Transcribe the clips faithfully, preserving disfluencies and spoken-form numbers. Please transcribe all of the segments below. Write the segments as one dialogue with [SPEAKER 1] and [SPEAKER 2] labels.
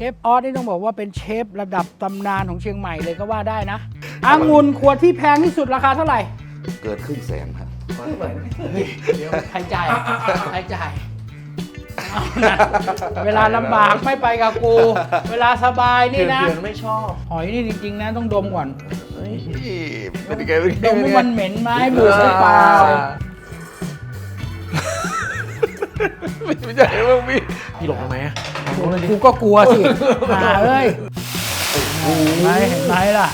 [SPEAKER 1] ฟออสนี่ต้องบอกว่าเป็นเชฟระดับตำนานของเชียงใหม่เลยก็ว่าได้นะองุ่นขวดที่แพงที่สุดราคาเท่าไหร่
[SPEAKER 2] เกินครึ่งแสนครับ
[SPEAKER 1] เดี๋ยวใครจ่ายใครจ่ายเวลาลำบากไม่ไปกับกูเวลาสบายนี่นะ
[SPEAKER 3] ไม่ชอบ
[SPEAKER 1] หอยนี่จริงๆนะต้องดมก่อน
[SPEAKER 2] เป็นยังไง
[SPEAKER 1] ดมมันเหม็นไหมบูดหรือเปล่า
[SPEAKER 2] ไม่ใช่ว่ามี
[SPEAKER 3] พี่หลงทำไมอ่ะ
[SPEAKER 1] กูก็กลัวสิหาเอ้ยเห็นไหมเห็นไหมล่ะ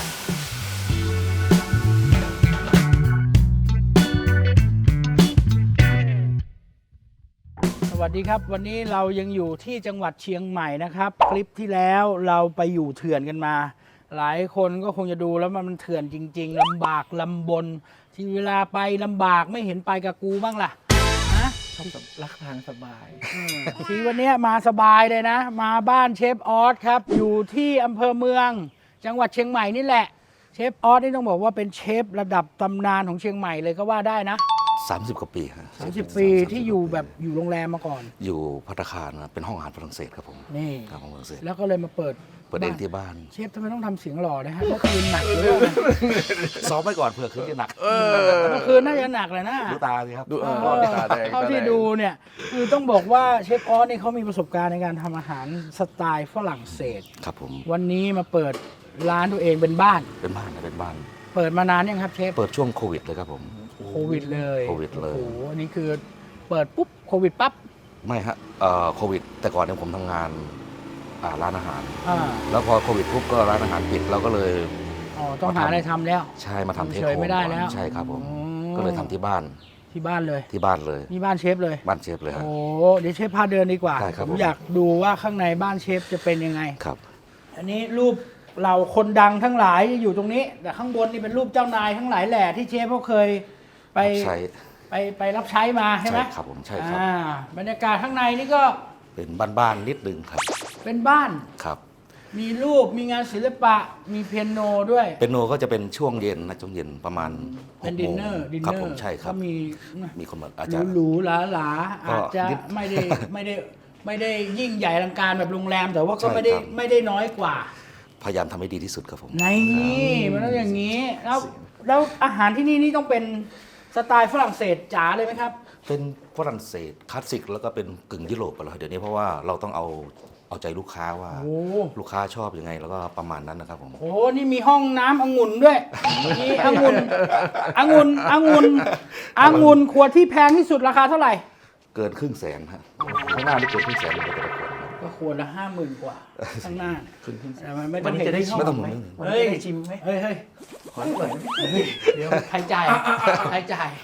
[SPEAKER 1] สวัสดีครับวันนี้เรายังอยู่ที่จังหวัดเชียงใหม่นะครับคลิปที่แล้วเราไปอยู่เถื่อนกันมาหลายคนก็คงจะดูแล้วมันเถื่อนจริงๆลำบากลำบนที่เวลาไปลำบากไม่เห็นไปกับกูบ้างล่ะนะ
[SPEAKER 3] รักทางสบาย
[SPEAKER 1] ทีวันนี้มาสบายเลยนะมาบ้านเชฟออสครับอยู่ที่อำเภอเมืองจังหวัดเชียงใหม่นี่แหละเชฟออสนี่ต้องบอกว่าเป็นเชฟระดับตำนานของเชียงใหม่เลยก็ว่าได้นะ
[SPEAKER 2] สามสิบกว่าปีครับ
[SPEAKER 1] สามสิบปีที่อยู่แบบอยู่โรงแรมมาก่อน
[SPEAKER 2] อยู่ภัตตาคารนะเป็นห้องอาหารฝรั่งเศสครับผม
[SPEAKER 1] นี่
[SPEAKER 2] ครับของฝรั่งเศส
[SPEAKER 1] แล้วก็เลยมาเปิด
[SPEAKER 2] เปิดเองที่บ้าน
[SPEAKER 1] เชฟทำไมต้องทำเสียงหล่อนะฮะเมื่อคืนหนักเลย
[SPEAKER 2] ซ้อมไปก่อนเผื่อคืนจะหนัก
[SPEAKER 1] เมื่อคืนน่าจะหนักเลยนะ
[SPEAKER 2] ดูตาสิครับ
[SPEAKER 3] ดูเออตาแดง
[SPEAKER 1] เท่าที่ดูเนี่ยคือต้องบอกว่าเชฟออสนี่เขามีประสบการณ์ในการทำอาหารสไตล์ฝรั่งเศส
[SPEAKER 2] ครับผม
[SPEAKER 1] วันนี้มาเปิดร้านตัวเองเป็นบ้าน
[SPEAKER 2] เป็นบ้านนะเป็นบ้าน
[SPEAKER 1] เปิดมานานยังครับเชฟ
[SPEAKER 2] เปิดช่วงโควิดเลยครับผม
[SPEAKER 1] โควิดเลย
[SPEAKER 2] โควิดเลย
[SPEAKER 1] โอ้โหอันนี้คือเปิดปุ๊บโควิดปั๊บ
[SPEAKER 2] ไม่ฮะเอ่อโควิดแต่ก่อนเนี่ยผมทำงานอ่าร้านอาหารแล้วพอโควิดปุ๊บก็ร้านอาหารปิดเราก็เลย
[SPEAKER 1] อ๋อต้องหาอะไรทำแล้ว
[SPEAKER 2] ใช่มาทำเทคโฮม
[SPEAKER 1] ไม่ได้แล้ว
[SPEAKER 2] ใช่ครับผมก็เลยทำที่บ้าน
[SPEAKER 1] ที่บ้านเลย
[SPEAKER 2] ที่บ้านเลย
[SPEAKER 1] นี่บ้านเชฟเลย
[SPEAKER 2] บ้านเชฟเลยครับ
[SPEAKER 1] โอ้เดี๋ยวเชฟพาเดินดีกว่าผมอยากดูว่าข้างในบ้านเชฟจะเป็นยังไง
[SPEAKER 2] ครับ
[SPEAKER 1] อันนี้รูปเราคนดังทั้งหลายอยู่ตรงนี้แต่ข้างบนนี่เป็นรูปเจ้านายทั้งหลายแหล่ที่เชฟเขาเคยไปไปไปรับใช้มาใช่ไหม
[SPEAKER 2] ครับผมใช่ครับ
[SPEAKER 1] บรรยากาศข้างในนี่ก็
[SPEAKER 2] เป็นบ้านๆนิดนึงครับ
[SPEAKER 1] เป็นบ้าน
[SPEAKER 2] ครับ
[SPEAKER 1] มีรูปมีงานศิลปะมีเปียโนด้วย
[SPEAKER 2] เปียโนก็จะเป็นช่วงเย็นนะช่วงเย็นประมาณ
[SPEAKER 1] เป็นดินเนอร์ดินเนอร์
[SPEAKER 2] ครับผมใช่ครับ
[SPEAKER 1] มี
[SPEAKER 2] มีคนมาอาจารย์
[SPEAKER 1] หรูหราหลาอาจจะไม่ได้ไม่ได้ไม่ได้ยิ่งใหญ่อลังการแบบโรงแรมแต่ว่าก็ไม่ได้ไม่ได้น้อยกว่า
[SPEAKER 2] พยายามทำให้ดีที่สุดครับผม
[SPEAKER 1] นี่มันต้องอย่างนี้แล้วแล้วอาหารที่นี่นี่ต้องเป็นสไตล์ฝรั่งเศสจ๋าเลยไหมครับ
[SPEAKER 2] เป็นฝรั่งเศสคลาสสิกแล้วก็เป็นกึ่งยุโรปไปแล้วเดี๋ยวนี้เพราะว่าเราต้องเอาเอาใจลูกค้าว่าลูกค้าชอบยังไงแล้วก็ประมาณนั้นนะครับผม
[SPEAKER 1] โอ้นี่มีห้องน้ำองุ่นด้วยมีองุ่นองุ่นองุ่นองุ่นขวดที่แพงที่สุดราคาเท่าไหร่
[SPEAKER 2] เกินครึ่งแสนฮะข้างหน้านี่เกินครึ่งแสนเลยแต่ละขวด
[SPEAKER 1] ก็ขวดละห้าหมื่นกว่าข้างหน้าแต่มันไม่ต้อง
[SPEAKER 3] จะได้
[SPEAKER 2] ไม่ต้องหมุน
[SPEAKER 1] เฮ้ยชิมไหมเฮ้ยเฮ้ยขอหน่อยเดี๋ยวใครจ่ายใครจ่าย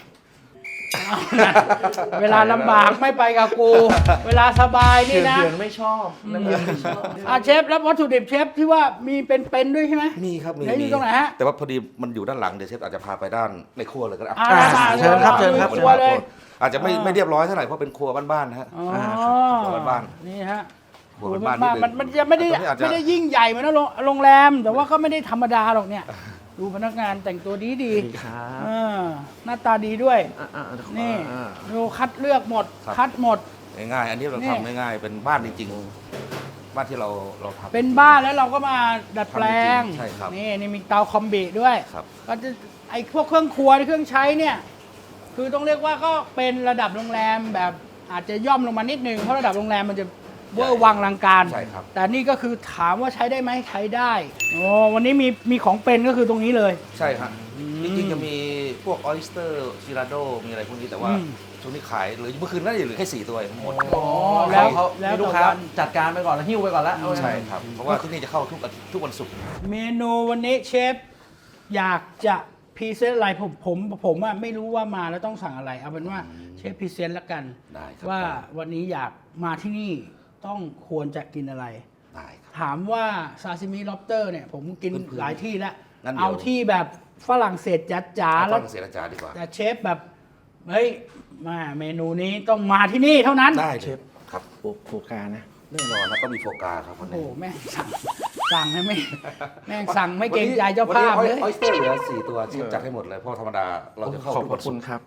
[SPEAKER 1] เวลาลำบากไม่ไปกับกูเวลาสบายนี่นะ
[SPEAKER 3] เถื่อนไม่ชอบน้ำเย็นไม่ชอบ
[SPEAKER 1] อ่ะเชฟแล้ววัตถุดิบเชฟที่ว่ามีเป็นๆด้วยใช่ไหม
[SPEAKER 2] มีครับมี
[SPEAKER 1] มีตรงไหนฮะ
[SPEAKER 2] แต่ว่าพอดีมันอยู่ด้านหลังเดี๋ยวเชฟอาจจะพาไปด้านในครัวเลยก็ได้
[SPEAKER 1] เชิญครับเชิญครับ
[SPEAKER 2] ครัวเลยอาจจะไม่ไม่เรียบร้อยเท่าไหร่เพราะเป็นครัวบ้านๆนะฮะครัวบ้าน
[SPEAKER 1] ๆนี่ฮะ
[SPEAKER 2] ครัวบ้าน
[SPEAKER 1] ๆมันมันจะไม่ได้ไม่ได้ยิ่งใหญ่เหมือนโรงแรมแต่ว่าก็ไม่ได้ธรรมดาหรอกเนี่ยดูพนักงานแต่งตัวดีดีหน้าตาดีด้วยนี่ดูคัดเลือกหมดคัดหมด
[SPEAKER 2] ง่ายๆอันนี้เราทำง่ายๆเป็นบ้านจริงๆบ้านที่เราเราทำ
[SPEAKER 1] เป็นบ้านแล้วเราก็มาดัดแปลง
[SPEAKER 2] ใช่ครับ
[SPEAKER 1] นี่นี่มีเตาคอมบิด้วยก็จะไอ้พวกเครื่องครัวเครื่องใช้เนี่ยคือต้องเรียกว่าก็เป็นระดับโรงแรมแบบอาจจะย่อมลงมานิดนึงเพราะระดับโรงแรมมันจะเวอร์วังลังการแต่นี่ก็คือถามว่าใช้ได้ไหมใช้ได้โอ้วันนี้มีมีของเป็นก็คือตรงนี้เลย
[SPEAKER 2] ใช่ครับจริงๆจะมีพวกออยสเตอร์ซิราโดมีอะไรพวกนี้แต่ว่าช่วงนี้ขายหรือเมื่อคืนน่าจะเหลือแค่สี่ตัวหมด
[SPEAKER 1] อ๋อแล้ว
[SPEAKER 3] แล้วลูกค้าจัดการไปก่อนแล้วหิ้วไปก่อนแล้ว
[SPEAKER 2] ใช่ครับเพราะว่าที่นี่จะเข้าทุกทุกวันศุกร์
[SPEAKER 1] เมนูวันนี้เชฟอยากจะพรีเซนต์อะไรผมผมผมอ่ะไม่รู้ว่ามาแล้วต้องสั่งอะไรเอาเป็นว่าเชฟพรีเซนต์ละกันว่าวันนี้อยากมาที่นี่ต้องควรจะกินอะไรถามว่าซาซิมิล็อบสเตอร์เนี่ยผมกินหลายที่แล้วเอาที่แบบฝรั่งเศสจ๋าๆ
[SPEAKER 2] แล้วฝรั่งเศสจ๋าดีกว่า
[SPEAKER 1] แต่เชฟแบบเฮ้ยมาเมนูนี้ต้องมาที่นี่เท่านั้น
[SPEAKER 2] ได้เชฟครับ
[SPEAKER 3] โฟกานะ
[SPEAKER 2] แน่นอนนะก็มีโฟกาครับ
[SPEAKER 1] โอ้แม่สั่งสั่งให้ไม่แม่สั่งไม่เกรงใจเจ้าภาพเลย
[SPEAKER 2] ออยสเตอร์เหลือสี่ตัวเชฟจัดให้หมดเลยเพราะธรรมดาเราจะเข้า
[SPEAKER 3] ขอบคุณครับ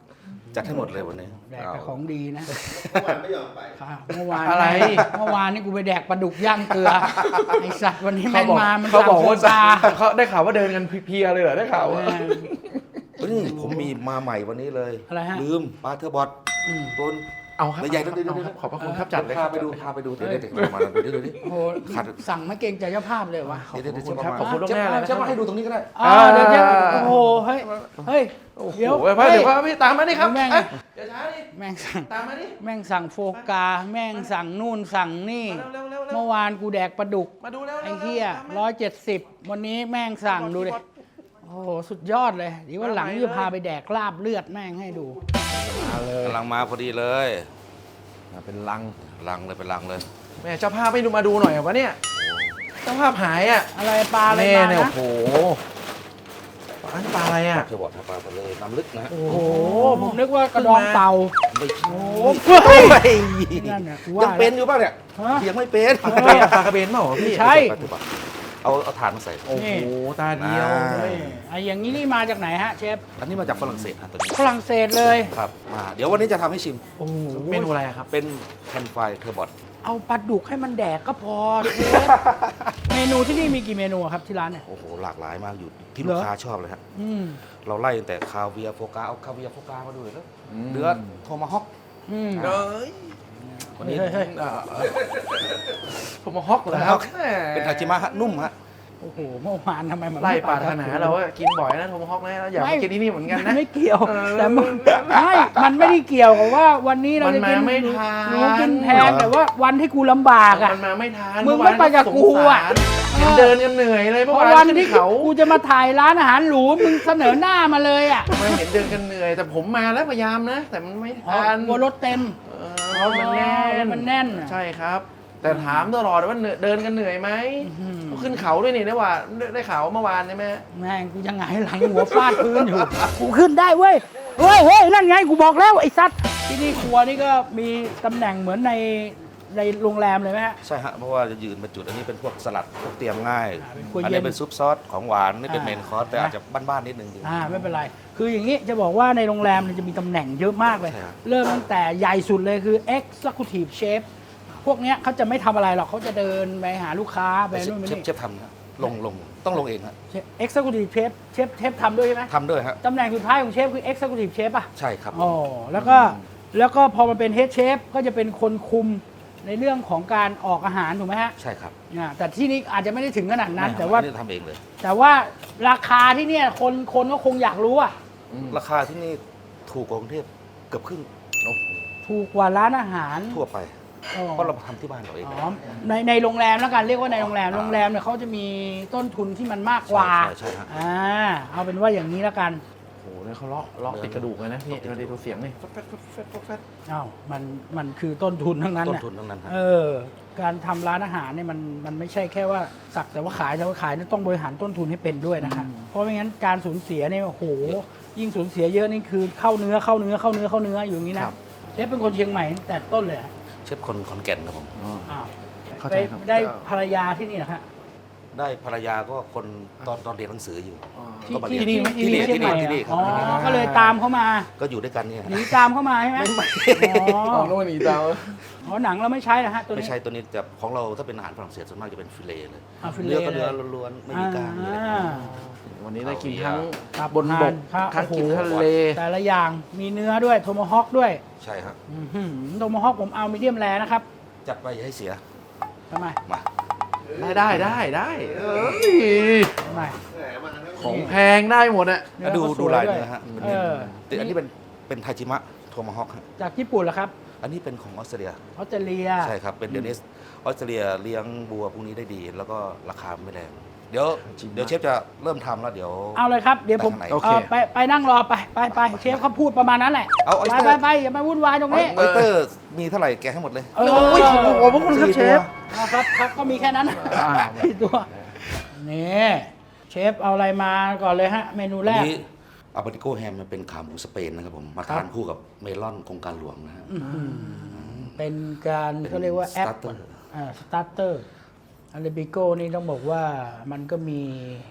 [SPEAKER 2] จัดให้หมดเลยวันนี้
[SPEAKER 1] แดกแต่ของดีนะ
[SPEAKER 4] เมื่อวานไม่ยอมไป
[SPEAKER 1] ค่ะเมื่อวาน
[SPEAKER 3] อะไร
[SPEAKER 1] เมื่อวานนี่กูไปแดกปลาดุกย่างเกลือ ไอสัตว์วันนี้
[SPEAKER 3] เขา
[SPEAKER 1] แม่ง
[SPEAKER 3] บอก
[SPEAKER 1] มา มัน
[SPEAKER 3] เขา
[SPEAKER 1] สั่ง
[SPEAKER 3] บอก
[SPEAKER 1] โค
[SPEAKER 3] ว่า
[SPEAKER 1] ตา
[SPEAKER 3] เขาได้ข่าวว่าเดินกันเพลียๆเลยเหรอได้ข่าวว่า
[SPEAKER 2] เฮ้ยผมมีมาใหม่วันนี้เลย
[SPEAKER 1] อะไรฮะ
[SPEAKER 2] ลืมปลาเทอร์บอท
[SPEAKER 1] อืม
[SPEAKER 2] ตัว
[SPEAKER 3] เอาครับ
[SPEAKER 2] ใหญ่ๆต้องดูดู
[SPEAKER 3] เอาครับขอบพระคุณครับจัดเลย
[SPEAKER 2] พาไปดูพาไปดูเดี๋ยวเดี๋ยวเดี๋ยวมาดูดิดูดิ
[SPEAKER 1] โอ้โห
[SPEAKER 2] ขัด
[SPEAKER 1] สั่งไม่เกรงใจเจ้าภาพเลยวะ
[SPEAKER 2] เดี๋ยวเดี๋ยวเดี๋ยว
[SPEAKER 3] ขอบคุณ
[SPEAKER 2] เช็
[SPEAKER 3] ล่วงหน้าเลยนะ
[SPEAKER 2] เช็คมาให้ดูตรงนี้ก็ได้
[SPEAKER 1] อ่าเดี๋ยวเดี๋ยวโอ้โห เฮ้ย เฮ้ย
[SPEAKER 3] โอ้โห
[SPEAKER 1] เดี๋ยว
[SPEAKER 3] เดี๋ยวเดี๋ยวครับพี่ตามมาดิครับ
[SPEAKER 1] แม่ง
[SPEAKER 3] เอ้ยอย่าช้าดิ
[SPEAKER 1] แม่งสั่ง
[SPEAKER 3] ตามมาดิ
[SPEAKER 1] แม่งสั่งโฟกา แม่งสั่งนู่นสั่งนี่
[SPEAKER 3] มาเร็วเร็วเร็ว
[SPEAKER 1] เมื่อวานกูแดกปลาดุก
[SPEAKER 3] มาดูเร็ว
[SPEAKER 1] ไอ้เหี้ยร้อยเจ็ดสิบวันนี้แม่งสั่งดูดิ โอ้โห สุดยอดเลยเดี๋ยววันหลังจะพาไปแดกลาบเลือดแม่งให้ดู
[SPEAKER 3] มาเลย
[SPEAKER 2] กำลังมาพอดีเลย
[SPEAKER 3] มาเป็นลัง
[SPEAKER 2] ลังเลยเป็นลังเลย
[SPEAKER 3] แม่เจ้าภาพไม่ดูมาดูหน่อยวะเนี่ยเจ้าภาพหายอ่ะ
[SPEAKER 1] อะไรปลาอะไร
[SPEAKER 3] แม่
[SPEAKER 1] มา
[SPEAKER 3] เนี่ย
[SPEAKER 1] นะ
[SPEAKER 3] โอ้โหปลาปลาอะไรอ่ะ
[SPEAKER 2] เทอร์บอทปลาไปเลยน้ำลึกนะฮะ
[SPEAKER 1] โอ้โห ผมนึกว่ากระดองเต่า
[SPEAKER 2] ไม่ใช่
[SPEAKER 1] โอ้
[SPEAKER 2] เฮ้ย
[SPEAKER 1] นั่นน่ะกู
[SPEAKER 2] ยั
[SPEAKER 1] ว่าง
[SPEAKER 2] เป็นอยู่ป่ะเนี่ย
[SPEAKER 1] ฮะ
[SPEAKER 2] ยังไม่เป็น
[SPEAKER 3] ปลากระเบนปลากระเบนเปล่าวะพี่
[SPEAKER 1] ใช่
[SPEAKER 2] ปลาเทอร์บอทเอาเอาถ่านมาใส่
[SPEAKER 3] โอ้โหตาเดียว
[SPEAKER 2] อ่า
[SPEAKER 1] เฮ้ยไอ้อย่างนี้นี่มาจากไหนฮะเชฟ
[SPEAKER 2] อันนี้มาจากฝรั่งเศสฮะตัวนี้
[SPEAKER 1] ฝรั่งเศสเลย
[SPEAKER 2] ครับมาเดี๋ยววันนี้จะทำให้ชิม
[SPEAKER 1] โอ้โห
[SPEAKER 3] เมนูอะไรอะครับ
[SPEAKER 2] เป็นแคนไฟเทอร์บอท
[SPEAKER 1] เอาปลาดุกให้มันแดกก็พอเชฟเมนูที่นี่มีกี่เมนูอะครับที่ร้านเนี่ย
[SPEAKER 2] โอ้โหหลากหลายมากอยู่ที่
[SPEAKER 1] เหรอ
[SPEAKER 2] ลูกค้าชอบเลยฮะ
[SPEAKER 1] อืม
[SPEAKER 2] เราไล่ตั้งแต่คาเวียร์โฟกาเอาคาเวียร์โฟกามาดูเลยแล้ว
[SPEAKER 3] อืม
[SPEAKER 2] เนื้อโทมาฮอก
[SPEAKER 1] อืม
[SPEAKER 3] เอ้ย
[SPEAKER 2] วันนี้
[SPEAKER 1] เฮ้ยเฮ้ย
[SPEAKER 3] อ่าผมมาฮอกเหรอครับ
[SPEAKER 2] เป็นทาจิมะฮะนุ่มฮะ
[SPEAKER 1] โอ้โหเมื่อวานทำไมมัน
[SPEAKER 3] ไล่
[SPEAKER 1] ม่
[SPEAKER 3] ปรารถนาเราว่ากินบ่อยนะโทมฮอกนะแล้วอยาก
[SPEAKER 1] ไม่
[SPEAKER 3] มากินที่นี่เหมือนกัน
[SPEAKER 1] มั
[SPEAKER 3] นะ
[SPEAKER 1] ไม่เกี่ยว
[SPEAKER 3] เออ
[SPEAKER 1] แต่มันไม่มันไม่ได้เกี่ยวกับว่าวันนี้เราจะกิน
[SPEAKER 3] มันมาไม่ทัน
[SPEAKER 1] หนูกินแพงแต่ว่าวันที่กูลำบากอ่ะ
[SPEAKER 3] มันมาไม่ทัน
[SPEAKER 1] มึงไม่ไปกับกูอะ
[SPEAKER 3] เมื่วานสงสารเห็นเดินกันเหนื่อยเลย
[SPEAKER 1] เพ
[SPEAKER 3] เมื่อ
[SPEAKER 1] ราะ
[SPEAKER 3] วาน
[SPEAKER 1] วัน
[SPEAKER 3] ขึ้น
[SPEAKER 1] ที่
[SPEAKER 3] เขา
[SPEAKER 1] กูจะมาถ่ายร้านอาหารหรูมึงเสนอหน้ามาเลยอ่ะ
[SPEAKER 3] ไมาเห็นเดินกันเหนื่อย แต่ผมมาแล้วพยายามนะ แต่มันไม่
[SPEAKER 1] อ๋อ
[SPEAKER 3] ทัน
[SPEAKER 1] กลัวรถเต็ม
[SPEAKER 3] เออมันแน่
[SPEAKER 1] อ๋อมันแน่น
[SPEAKER 3] ใช่ครับ แต่ถามตลอดว่าเหนื่อยเดินกันเหนื่อยไหม
[SPEAKER 1] อื้อหือ
[SPEAKER 3] เขาขึ้นเขาด้วยนี่นะว่าได้ได้ข่าวเมื่อวานใช่ไหม
[SPEAKER 1] แม่งกูยังไงหลังหัวฟาดพื้นอยู่ กูขึ้นได้เว้ยเฮ้ยเฮ้ยนั่นไงกูบอกแล้วไอ้ซัดที่นี่ครัวนี่ก็มีตำแหน่งเหมือนในในโรงแรมเลยไหมฮะ
[SPEAKER 2] ใช่ฮะเพราะว่าจะยืนเป็นจุดอันนี้เป็นพวกสลัดพวกเตรียมง่าย
[SPEAKER 1] อ่าเป็นครัว
[SPEAKER 2] อัน
[SPEAKER 1] เย็
[SPEAKER 2] นี้
[SPEAKER 1] น
[SPEAKER 2] เป็นซุปซอสของหวานนี่เป็น
[SPEAKER 1] อ่า
[SPEAKER 2] เมนคอร์สแต่อาจจะบ้านๆนิดนึง
[SPEAKER 1] อ่าไม่เป็นไร คืออย่างนี้จะบอกว่าในโรงแรมเนี่ยจะมีตำแหน่งเยอะมากเลย
[SPEAKER 2] ใช่ครับ
[SPEAKER 1] เริ่มตั้งแต่ใหญ่สุดเลยคือ Executive Chef พวกเนี้ยเขาจะไม่ทำอะไรหรอกเขาจะเดินไปหาลูกค้าไป
[SPEAKER 2] เช
[SPEAKER 1] นู่นไป
[SPEAKER 2] ฟ
[SPEAKER 1] นี่
[SPEAKER 2] เชฟทำนะลงลงต้องลงเองฮะ
[SPEAKER 1] Executive Chef เชฟเชฟทำด้วยใช่ไหม
[SPEAKER 2] ทำด้วยฮะ
[SPEAKER 1] ตำแหน่งสุดท้ายของเชฟคือ Executive Chef ป่ะ
[SPEAKER 2] ใช่ครับ
[SPEAKER 1] อ๋อแล้วก็แล้วก็พอมาเป็น Head Chef ก็จะเป็นคนคุมในเรื่องของการออกอาหารถูกไหมฮะ
[SPEAKER 2] ใช่ครับ
[SPEAKER 1] อ่าแต่ที่นี้อาจจะไม่ได้ถึงขนาดนั้น
[SPEAKER 2] ไม่ครับ
[SPEAKER 1] แต่ว่า
[SPEAKER 2] อันนี้ทำเองเลย
[SPEAKER 1] แต่ว่าราคาที่เนี่ยคนคนก็คงอยากรู้อ่ะ
[SPEAKER 2] ราคาที่นี่ถูกกว่ากรุงเทพเกือบครึ่ง
[SPEAKER 1] ถูกกว่าร้านอาหาร
[SPEAKER 2] ทั่วไป
[SPEAKER 1] อ๋อ
[SPEAKER 2] เพราะเราทำที่บ้านเราเอง
[SPEAKER 1] อ๋อในในโรงแรมแล้วกันเรียกว่าในโรงแรม
[SPEAKER 2] อ่า
[SPEAKER 1] โรงแรมเนี่ยเขาจะมีต้นทุนที่มันมากกว่า
[SPEAKER 2] ใช่ใช่ใช่ฮะ
[SPEAKER 1] อ่าเอาเป็นว่าอย่างนี้แล้วกัน
[SPEAKER 3] โอ้โหเนี่ยเขาเลาะเลาะติดกระดูกเลยนะพี่เราได้ดูเสียงนี่แฟดแฟดแฟดแฟดแฟด
[SPEAKER 1] อ้าวมันมันคือต้นทุนทั้งนั้น
[SPEAKER 2] ต้น
[SPEAKER 1] น่ะ
[SPEAKER 2] ทุนทั้งนั้นฮะ
[SPEAKER 1] เออการทำร้านอาหารเนี่ยมันมันไม่ใช่แค่ว่าสักแต่ว่าขายแต่ว่าขายเนี่ยต้องบริหารต้นทุนให้เป็นด้วยนะครับเพราะไม่งั้นการสูญเสียเนี่ยโอ้โหยิ่งสูญเสียเยอะนี่คือเข้าเนื้อเข้าเนื้อเข้าเนื้อเข้าเนื้ออยู่อย่างนี้นะเชฟเป็นคนเชียงใหม่ตั้งแต่ต้นเลยเหรอ
[SPEAKER 2] เชฟคนขอนแก่นครับผม
[SPEAKER 1] อ้าว
[SPEAKER 3] เข้า
[SPEAKER 1] ไป
[SPEAKER 3] ใจครับ
[SPEAKER 1] ได้ภรรยาที่นี่เหรอฮะ
[SPEAKER 2] ได้ภรรยาก็คนตอนตอนเรียนหนังสืออยู่
[SPEAKER 1] ที่
[SPEAKER 2] ก็มา
[SPEAKER 1] ที่
[SPEAKER 2] เรียน
[SPEAKER 1] ที่
[SPEAKER 2] ที่
[SPEAKER 1] ที่
[SPEAKER 2] นี่
[SPEAKER 1] เชียงใหม่
[SPEAKER 2] ที่นี่
[SPEAKER 1] เหรอ
[SPEAKER 2] ที่นี่ครับ
[SPEAKER 1] อ๋อก็เลยตามเขามา
[SPEAKER 2] ก็อยู่ด้วยกันเนี่ย
[SPEAKER 1] หนีตามเขามาใช่ไหมอ๋อ
[SPEAKER 3] อ๋อโน่นอีกเตา
[SPEAKER 1] อ๋อหนังเราไม่ใช้นะฮะตัว
[SPEAKER 2] ไม่
[SPEAKER 1] นี้
[SPEAKER 2] ใช่ตัวนี้จะของเราถ้าเป็นอาหารฝรั่งเศสส่วนมากจะเป็นฟิเลต์เลย
[SPEAKER 1] อ่าฟิเล
[SPEAKER 2] เนื้อ
[SPEAKER 1] ต์
[SPEAKER 2] ก็เนื้อ
[SPEAKER 1] เลย
[SPEAKER 2] ล้วนๆไม่มีกล้างเลย
[SPEAKER 1] อ่า
[SPEAKER 3] วันนี้ได้กินทั้ง
[SPEAKER 1] ครับ
[SPEAKER 3] บนบก
[SPEAKER 1] ครับ
[SPEAKER 3] ทั้งกิน
[SPEAKER 1] โอ้โห
[SPEAKER 3] ทะเล
[SPEAKER 1] แต่ละอย่างมีเนื้อด้วยโทโมฮอคด้วย
[SPEAKER 2] ใช่ครับ
[SPEAKER 1] อื้อหือโทโมฮอคผมเอามีเดียมแรนะครับ
[SPEAKER 2] จัดไปอย่าให้เสีย
[SPEAKER 1] ทำไม
[SPEAKER 2] มา
[SPEAKER 3] ได้ได้ได้ได้เอ้ย
[SPEAKER 1] ทำไม
[SPEAKER 4] แหมมาทั้ง
[SPEAKER 3] ของแพงได้หมดอะ
[SPEAKER 1] เนื้อ
[SPEAKER 2] ดู
[SPEAKER 1] ก็ส
[SPEAKER 2] ดู
[SPEAKER 1] วย
[SPEAKER 2] ลาย
[SPEAKER 1] ด้วย
[SPEAKER 2] เนื้อฮะ
[SPEAKER 1] เออ
[SPEAKER 2] แต่อันนี้เป็นเป็นไทจิมะโทมาฮอกฮะ
[SPEAKER 1] จากญี่ปุ่นเหรอครับ
[SPEAKER 2] อันนี้เป็นของออสเตรเลีย
[SPEAKER 1] ออสเตรเลีย
[SPEAKER 2] ใช่ครับ เป็นเดนิสออสเตรเลียเลี้ยงบัวพวกนี้ได้ดี แล้วก็ราคาไม่แรงเดี๋ยวเดี๋ยวเชฟจะเริ่มทำแล้วเดี๋ยว
[SPEAKER 1] เอาเลยครับ เดี๋ยวผม
[SPEAKER 2] ไปข้างใน
[SPEAKER 1] เอ่อไปไปนั่งรอไปไปไปเชฟเขาพูดประมาณนั้นแหละ
[SPEAKER 2] เอาเอา
[SPEAKER 1] ไปไปไปอย่ามาวุ่นวายตรงนี้
[SPEAKER 2] ออสเตอร์มีเท่าไหร่แกะให้หมดเลย
[SPEAKER 1] เออ
[SPEAKER 3] โอ้ยขอบคุณครับเชฟ
[SPEAKER 1] เอาครับครับก็มีแค่นั้น
[SPEAKER 3] อ่า
[SPEAKER 1] สี่ตัวนี่เชฟเอาอะไรมาก่อนเลยฮะ เมนูแร
[SPEAKER 2] อัน
[SPEAKER 1] ก
[SPEAKER 2] นี้อาบาติโกแฮมมันเป็นขาหมูสเปนนะครับผม มาทานคู่กับเมลอนโครงการหลวงนะฮะ
[SPEAKER 1] เป็นการเขาเรียกว่าแอป
[SPEAKER 2] starter
[SPEAKER 1] อ่าสตาร์เตอร์อาราบิโก้นี่ต้องบอกว่ามันก็มี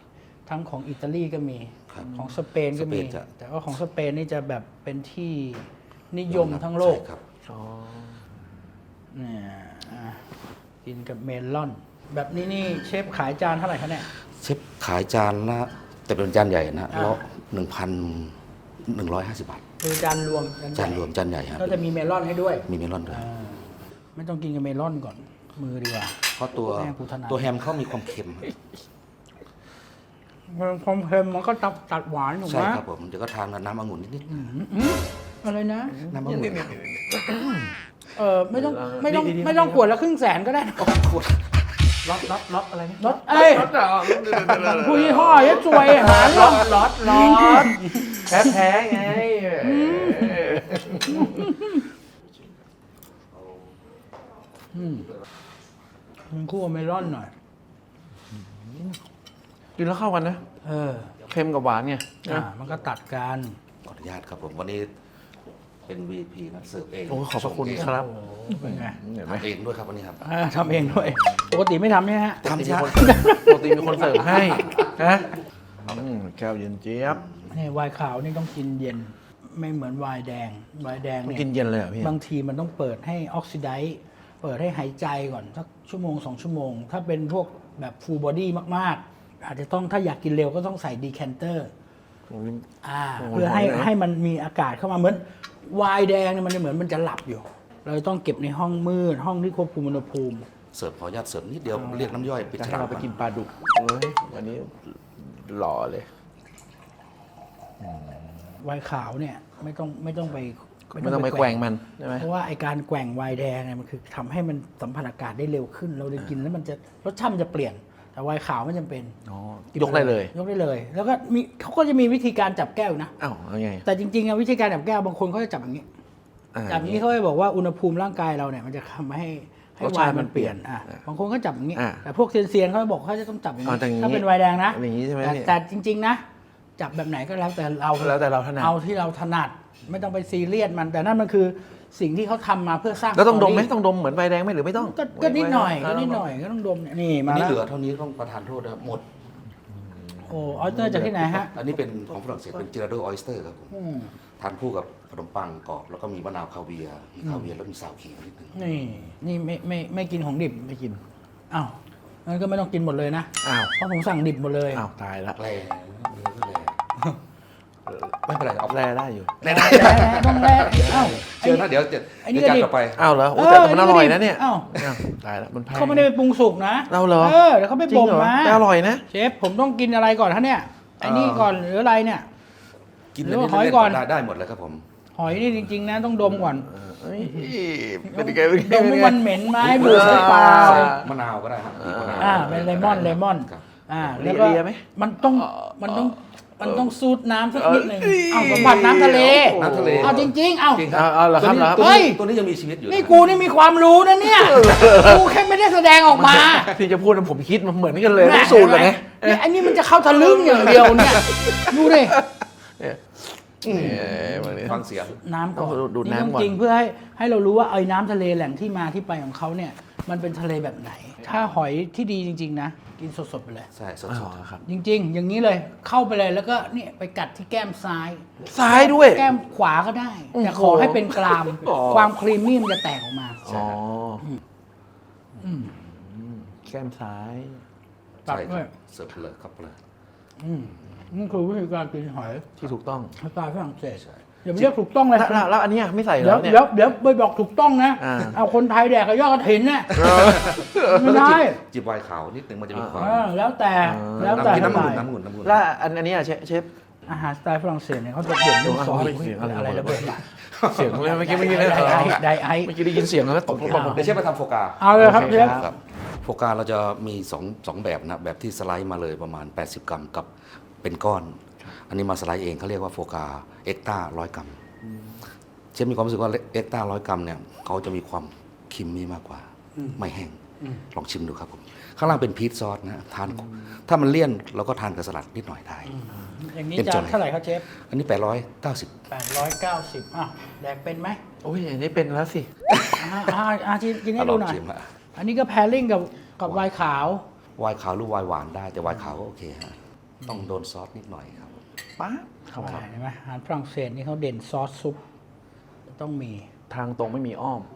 [SPEAKER 1] ทั้งของอิตาลีก็มี
[SPEAKER 2] ครับ
[SPEAKER 1] ของสเปนก็มี
[SPEAKER 2] สเปนจะ
[SPEAKER 1] แต่ว่าของสเปนนี่จะแบบเป็นที่นิยมทั้งโลก
[SPEAKER 2] ใช่ครับ
[SPEAKER 3] อ๋อ
[SPEAKER 1] เนี่ยอ่ะกินกับเมลอน แบบนี้นี่เชฟขายจานเท่าไหร่คะเนี่ย
[SPEAKER 2] เชฟขายจานละแต่เป็นจานใหญ่นะ
[SPEAKER 1] อ่า
[SPEAKER 2] แล้วหนึ่งพันหนึ่งร้อยห้าสิบบาท
[SPEAKER 1] คือจานรวม
[SPEAKER 2] จานรวมจานใหญ่ครับ
[SPEAKER 1] ก็จะมีเมลอนให้ด้วย
[SPEAKER 2] มีเมลอนด้วย
[SPEAKER 1] อ่าไม่ต้องกินกับเมลอนก่อน มือดีกว่า
[SPEAKER 2] เพราะตัว
[SPEAKER 1] แม่กูถนัด
[SPEAKER 2] ตัวแฮมเขามีความเค็ม
[SPEAKER 1] ความเค็มมันก็ตัดตัดหวานถูก
[SPEAKER 2] ใช่
[SPEAKER 1] ไหม
[SPEAKER 2] ครับผมเดี๋ยวก็ทานกับน้ำองุ่นนิด
[SPEAKER 1] อืมอะไรนะ
[SPEAKER 2] ๆน้ำองุ่น
[SPEAKER 1] เออไม่ต้องไม่ต้องไม่ต้องขวดละครึ่งแสนก็ได้นะ
[SPEAKER 2] ขวด
[SPEAKER 3] ล็อตล็อตล็อตอะไรนะ
[SPEAKER 1] รถเอ้ย
[SPEAKER 3] ล็อตเหรอ
[SPEAKER 1] ผู้ยี่ห้อยัดซวยหา
[SPEAKER 3] ล็
[SPEAKER 1] เรื่
[SPEAKER 3] อ
[SPEAKER 1] อง
[SPEAKER 3] ตล็อตล็อตแพ้แพ้ไง
[SPEAKER 1] มันคู่กับเมลอนหน่อย
[SPEAKER 3] กินแล้วเข้ากันนะ
[SPEAKER 1] เออ
[SPEAKER 3] เค็มกับหวานไง
[SPEAKER 1] อ่า
[SPEAKER 3] นะ
[SPEAKER 1] มันก็ตัดกัน
[SPEAKER 2] ขออนุญาตครับผมวันนี้เป็น วี พี นะเสิร์ฟเอง
[SPEAKER 3] โอ้ขอบพระคุณครับ
[SPEAKER 1] โอ้เป็นไง
[SPEAKER 3] เห็นไหม
[SPEAKER 2] ทำเองด้วยครับวันนี้ครับ
[SPEAKER 1] อ่าทำเองด้วย ปกติไม่ทำเนี่ยฮะ
[SPEAKER 2] ทำ
[SPEAKER 3] มี
[SPEAKER 2] ช้า
[SPEAKER 3] คนปกติมีคนเสิร์ฟให้นะอืมแก้วเย็นเจี๊ยบ
[SPEAKER 1] นี่ไวน์ขาวนี่ต้องกินเย็น ไม่เหมือนไวน์แดง ไวน์แดง
[SPEAKER 3] มัน
[SPEAKER 1] เนี่ย
[SPEAKER 3] กินเย็นเลยเหรอพี่
[SPEAKER 1] บางทีมันต้องเปิดให้ออกซิไดซ์เปิดให้หายใจก่อนสักชั่วโมงสองชั่วโมง ถ้าเป็นพวกแบบฟูลบอดี้มากๆ อาจจะต้องถ้าอยากกินเร็วก็ต้องใส่ดีแคนเตอร์อ่า
[SPEAKER 3] โอ้โห
[SPEAKER 1] เพื่อให้
[SPEAKER 3] หอยนะ
[SPEAKER 1] ให้มันมีอากาศเข้ามาเหมือนไวน์แดงเนี่ยมันจะเหมือนมันจะหลับอยู่ เราต้องเก็บในห้องมืด ห้องที่ควบคุมอุณหภูมิ
[SPEAKER 2] เสิร์ฟขออนุญาตเสิร์ฟนิดเดียวเรียกน้ำย่อยปิด
[SPEAKER 3] จะ
[SPEAKER 2] ฉ
[SPEAKER 3] ให้
[SPEAKER 2] ลาก
[SPEAKER 3] เราไปกินปลาดุกเฮ้ยวันนี้หล่อเลย
[SPEAKER 1] ไวน์ขาวเนี่ยไม่ต้องไม่ต้องไป
[SPEAKER 3] ไม่ต้องไปแกว่งมันใช่ไหม
[SPEAKER 1] เพราะว่าไอการแกว่งไวน์แดงเนี่ยมันคือทำให้มันสัมผัสอากาศได้เร็วขึ้น เราได้กินแล้วมันจะรสชาติมันจะเปลี่ยน แต่ไวน์ขาวไม่จำเป็น
[SPEAKER 3] อ๋อยกได้เลย
[SPEAKER 1] ยกได้เลย แล้วก็มีเขาก็จะมีวิธีการจับแก้วนะ
[SPEAKER 3] อ้าวเอาไง
[SPEAKER 1] แต่จริงๆอะวิธีการจับแก้วบางคนเขาจะจับอย่างนี้
[SPEAKER 3] อ่า
[SPEAKER 1] จับอย่างนี้เขาจะบอกว่าอุณหภูมิร่างกายเราเนี่ยมันจะทำให้ให้
[SPEAKER 3] รส
[SPEAKER 1] ไว
[SPEAKER 3] ชาติ
[SPEAKER 1] น์
[SPEAKER 3] มั
[SPEAKER 1] มัน นเปลี่ยนอ่ะ
[SPEAKER 3] เปลี่ยน
[SPEAKER 1] บางคนก็จับอย่างนี้
[SPEAKER 3] อ่า
[SPEAKER 1] แต่พวกเซียนๆเขาจะบอกเขาจะต้องจับอย่าง
[SPEAKER 3] อ๋อ
[SPEAKER 1] นี้
[SPEAKER 3] แต่อย่างนี้
[SPEAKER 1] ถ้าเป็นไวน์แดงนะ
[SPEAKER 3] อย่างนี้ใช่ไหม
[SPEAKER 1] แต่
[SPEAKER 3] พี่
[SPEAKER 1] แต่จริง ๆ นะ จับแบบไหนก็แล้วแต่เรา
[SPEAKER 3] แล้วแต่เราถนัด
[SPEAKER 1] เอาที่เราถนัดไม่ต้องไปซีเรียสมัน แต่นั่นมันคือสิ่งที่เขาทำมาเพื่อสร้าง
[SPEAKER 3] แล้วต้องดมไหม
[SPEAKER 1] สรี่
[SPEAKER 3] ต้องดมเหมือนใบแดงไหมหรือไม่ต้อง
[SPEAKER 1] ก็ก็นิดหน่อย
[SPEAKER 3] เ
[SPEAKER 1] ก็นิดหน่อยก็ต้องดมเนี่ยนี่
[SPEAKER 2] อั
[SPEAKER 1] มาน
[SPEAKER 2] นี้
[SPEAKER 1] แล้ว
[SPEAKER 2] เหลือเท่านี้ต้องประทานโทษนะครับหมด
[SPEAKER 1] โอ้ออสเตอร์จากที่ไหนฮะ
[SPEAKER 2] อันนี้เป็นของฝรั่งเศสเป็นจิราโดออ y สเตอร์ครับผม
[SPEAKER 1] อืม
[SPEAKER 2] ทานคู่กับขนมปังกรอบแล้วก็มีมะนาวคาเวียร์มีคาเวียร์แล้วมีซาวขิงนิดนึง
[SPEAKER 1] นี่นี่ไม่ไม่ไม่กินของดิบ
[SPEAKER 3] ไม่กิน
[SPEAKER 1] อ้าวงั้นก็ไม่ต้องกินหมดเลยนะ
[SPEAKER 3] อ้าว
[SPEAKER 1] เพราะผมสั่งดิบหมดเลย
[SPEAKER 3] อ้าวตายละ
[SPEAKER 2] แร่เนื้อก็แร่ไม่เป็นไรเอา
[SPEAKER 3] แร่ได้อยู่
[SPEAKER 2] แร่ได้
[SPEAKER 1] แร่ต้องแร่เอ้าไอ้
[SPEAKER 2] เชิญ
[SPEAKER 1] นี่
[SPEAKER 2] นะเดี๋ยวจะ
[SPEAKER 1] ไอ้นี่
[SPEAKER 2] เดี๋ยวจาน
[SPEAKER 1] ก็ดิบ
[SPEAKER 2] ต่อไป
[SPEAKER 3] อ้าวเหรอโอ้
[SPEAKER 1] เออ
[SPEAKER 3] แต่แต่มันอร่อย
[SPEAKER 1] นี่
[SPEAKER 3] นะเนี่ย
[SPEAKER 1] อ้าว
[SPEAKER 3] อ้าวตายละมันแพง
[SPEAKER 1] เขาไม่ได้ไปปรุงสุกนะ
[SPEAKER 3] เราเหรอ
[SPEAKER 1] เออเดี๋ยวเขาไป
[SPEAKER 3] จริ
[SPEAKER 1] บ่
[SPEAKER 3] ง
[SPEAKER 1] ม
[SPEAKER 3] เหรอ
[SPEAKER 1] มา
[SPEAKER 3] แต่อร่อยนะ
[SPEAKER 1] เชฟผมต้องกินอะไรก่อนฮะเนี่ยไอ้นี่ก่อนหรืออะไรเนี่ย
[SPEAKER 2] กิน
[SPEAKER 1] หรือว่า
[SPEAKER 2] เล่นๆ
[SPEAKER 1] หอยก่อน
[SPEAKER 2] ได้ได้หมดเลยครับผม
[SPEAKER 1] หอยนี่จริง ๆ นะต้องดมก่อน
[SPEAKER 3] เอ้ยเป็นยังไงเป็น
[SPEAKER 1] ด
[SPEAKER 3] ยัง
[SPEAKER 1] ม
[SPEAKER 3] ไง
[SPEAKER 1] ว่ามันเหม็นไหมเบื่อหรือเปล่า
[SPEAKER 2] ใส่มะนาวก็ได้ครับบีบมะนาว
[SPEAKER 1] อ่าเป็นเลมอนเลมอน
[SPEAKER 2] ครับ
[SPEAKER 1] อ่า
[SPEAKER 3] เลีย
[SPEAKER 1] แล้วก็
[SPEAKER 3] เลียไหม
[SPEAKER 1] มันต้องมันต้องมันต้องสูดน้ำสักนิดหนึ่งเอาสัมผัสน้ำทะเล
[SPEAKER 2] น้ำทะเล
[SPEAKER 1] เอาจริง ๆ เอา
[SPEAKER 2] จริงค
[SPEAKER 3] เอา
[SPEAKER 2] รับ
[SPEAKER 3] เอาเหรอครับเหรอ
[SPEAKER 2] ตัว
[SPEAKER 1] เฮ้
[SPEAKER 2] นี้
[SPEAKER 1] ย
[SPEAKER 2] ตัวนี้ยังมีชีวิตอยู่
[SPEAKER 1] นี่กูนี่มีความรู้นะเนี่ยกูแค่ไม่ได้แสดงออกมา
[SPEAKER 3] ที่จะพูดนะผมคิดมันเหมือนกันเลยต้องสูตรเลยไง
[SPEAKER 1] นี่ไอ้นี่มันจะเข้าทะลึ่งอย่างเดียวเนี่ยดูดิ
[SPEAKER 3] เนี่ยเอ้ยวันนี้
[SPEAKER 2] ฟังเสียง
[SPEAKER 1] น้ำก่อน
[SPEAKER 3] เอาดูด
[SPEAKER 1] นี่
[SPEAKER 3] น้ำก่อน
[SPEAKER 1] จริงๆเพื่อให้ให้เรารู้ว่าไอ้น้ำทะเลแหล่งที่มาที่ไปของเขาเนี่ยมันเป็นทะเลแบบไหน ถ้าหอยที่ดีจริง ๆ นะ กินสดๆไปเลย
[SPEAKER 2] ใช่ส
[SPEAKER 3] อ๋
[SPEAKER 2] ด
[SPEAKER 3] อครับ
[SPEAKER 1] จริง ๆ อย่างนี้เลยเข้าไปเลยแล้วก็เนี่ยไปกัดที่แก้มซ้าย
[SPEAKER 3] ซ้ายด้วย
[SPEAKER 1] แก้มขวาก็ได้
[SPEAKER 3] โอ้โห
[SPEAKER 1] แต่ขอให้เป็นกราม
[SPEAKER 3] อ๋อ
[SPEAKER 1] ความครีมมี่มันจะแตกออกมา
[SPEAKER 3] อ๋อ
[SPEAKER 1] อืม
[SPEAKER 3] แก้มซ้าย
[SPEAKER 2] ๆ
[SPEAKER 1] ตัด
[SPEAKER 2] ใช่ค
[SPEAKER 1] ด้ว
[SPEAKER 2] รั
[SPEAKER 1] ย
[SPEAKER 2] บเสิร์ฟเลยครับเลย
[SPEAKER 1] อืมนี่คือวิธีการกินหอย
[SPEAKER 3] ที่ถูกต้อง
[SPEAKER 1] สไตล์ฝรั่งเศส
[SPEAKER 2] ใช่
[SPEAKER 1] อย่าไปเรียกถูกต้องเลย
[SPEAKER 3] แล้วแล้วแล้วอันเนี้ยไม่ใส่เหร
[SPEAKER 1] เดี๋ยว
[SPEAKER 3] อเนี่ย
[SPEAKER 1] เดี๋ยวเดี๋ยวไปบอกถูกต้องนะ
[SPEAKER 3] อ่า
[SPEAKER 1] เอาคนไทยแดกกับยอดกระถินเนี่ยไม่
[SPEAKER 2] แล้วก็
[SPEAKER 1] ได้
[SPEAKER 2] จิบจิบไวน์ขาวนิดนึงมันจะมีความ
[SPEAKER 1] เออแล้วแต่แล้ว
[SPEAKER 2] น้ำ
[SPEAKER 1] แต่
[SPEAKER 2] กิน
[SPEAKER 1] ส
[SPEAKER 2] น้ำ
[SPEAKER 1] ไต
[SPEAKER 2] อุ่น
[SPEAKER 1] ล์
[SPEAKER 2] น้ำอุ่นน้ำอุ่น
[SPEAKER 3] แล้วอันอันเนี้ยเชฟเชฟ
[SPEAKER 1] อาหารสไตล์ฝรั่งเศสเนี่ยเขาจะเด่นเรื่องซอส
[SPEAKER 3] เสียงอะไร
[SPEAKER 1] อะไรระเบิดล่ะ
[SPEAKER 3] เสียงเมื่อกี้เมื่อกี้
[SPEAKER 1] ได
[SPEAKER 3] เนี่ย
[SPEAKER 1] ไอซ์ไดไอซ์
[SPEAKER 3] เมื่อกี้ได้ยินเสียงแล้วตกลง
[SPEAKER 1] อ้าว
[SPEAKER 2] เดี๋ยวเชฟไปทำโฟกา
[SPEAKER 1] เอาเลยครับ
[SPEAKER 3] โอเค
[SPEAKER 1] เชฟ
[SPEAKER 3] ครับ
[SPEAKER 2] ครับโฟกาเราจะมีสองสองแบบนะแบบที่สไลด์มาเลยประมาณ แปดสิบ กรัมกับเป็นก้อน อันนี้มาสไลด์เองเขาเรียกว่าโฟกาเอ็กต้าร้อยกรัมเชฟมีความรู้สึกว่าเอ็กต้าร้อยกรัมเนี่ยเขาจะมีความครีมมี่มากกว่า ไม่แห้งลองชิมดูครับผมข้างล่างเป็นพีชซอสนะทานถ้ามันเลี่ยนเราก็ทานกับสลัดนิดหน่อยได้
[SPEAKER 1] อย่างนี้
[SPEAKER 2] เป็น
[SPEAKER 1] จา
[SPEAKER 2] จ
[SPEAKER 1] น
[SPEAKER 2] น
[SPEAKER 1] เท่าไหร่ครับเชฟ
[SPEAKER 2] อันนี้แปดร้อยเก้าสิบ
[SPEAKER 1] แปดร้อยเก้าสิบอ้าวแดกเป็นไหม
[SPEAKER 3] โอ้ยอันนี้เป็นแล้วสิ
[SPEAKER 1] อ่าอ่าอ่ากินกินให้
[SPEAKER 2] ล
[SPEAKER 1] ดู
[SPEAKER 2] อง
[SPEAKER 1] หน่อย
[SPEAKER 2] ชิมฮะ
[SPEAKER 1] อันนี้ก็แพรลิ่งกับกับไวน์ขาว
[SPEAKER 2] ไวน์ขาวหรือไวน์หวานได้แต่ไวน์ขาวก็โอเคฮะต้องโดนซอสนิดหน่อยครับ
[SPEAKER 3] ป๊าบเข้ามา
[SPEAKER 1] เห็นไหมอาหารฝรั่งเศสนี่เขาเด่นซอสซุปต้องมี
[SPEAKER 3] ทางตรงไม่มีอ้อม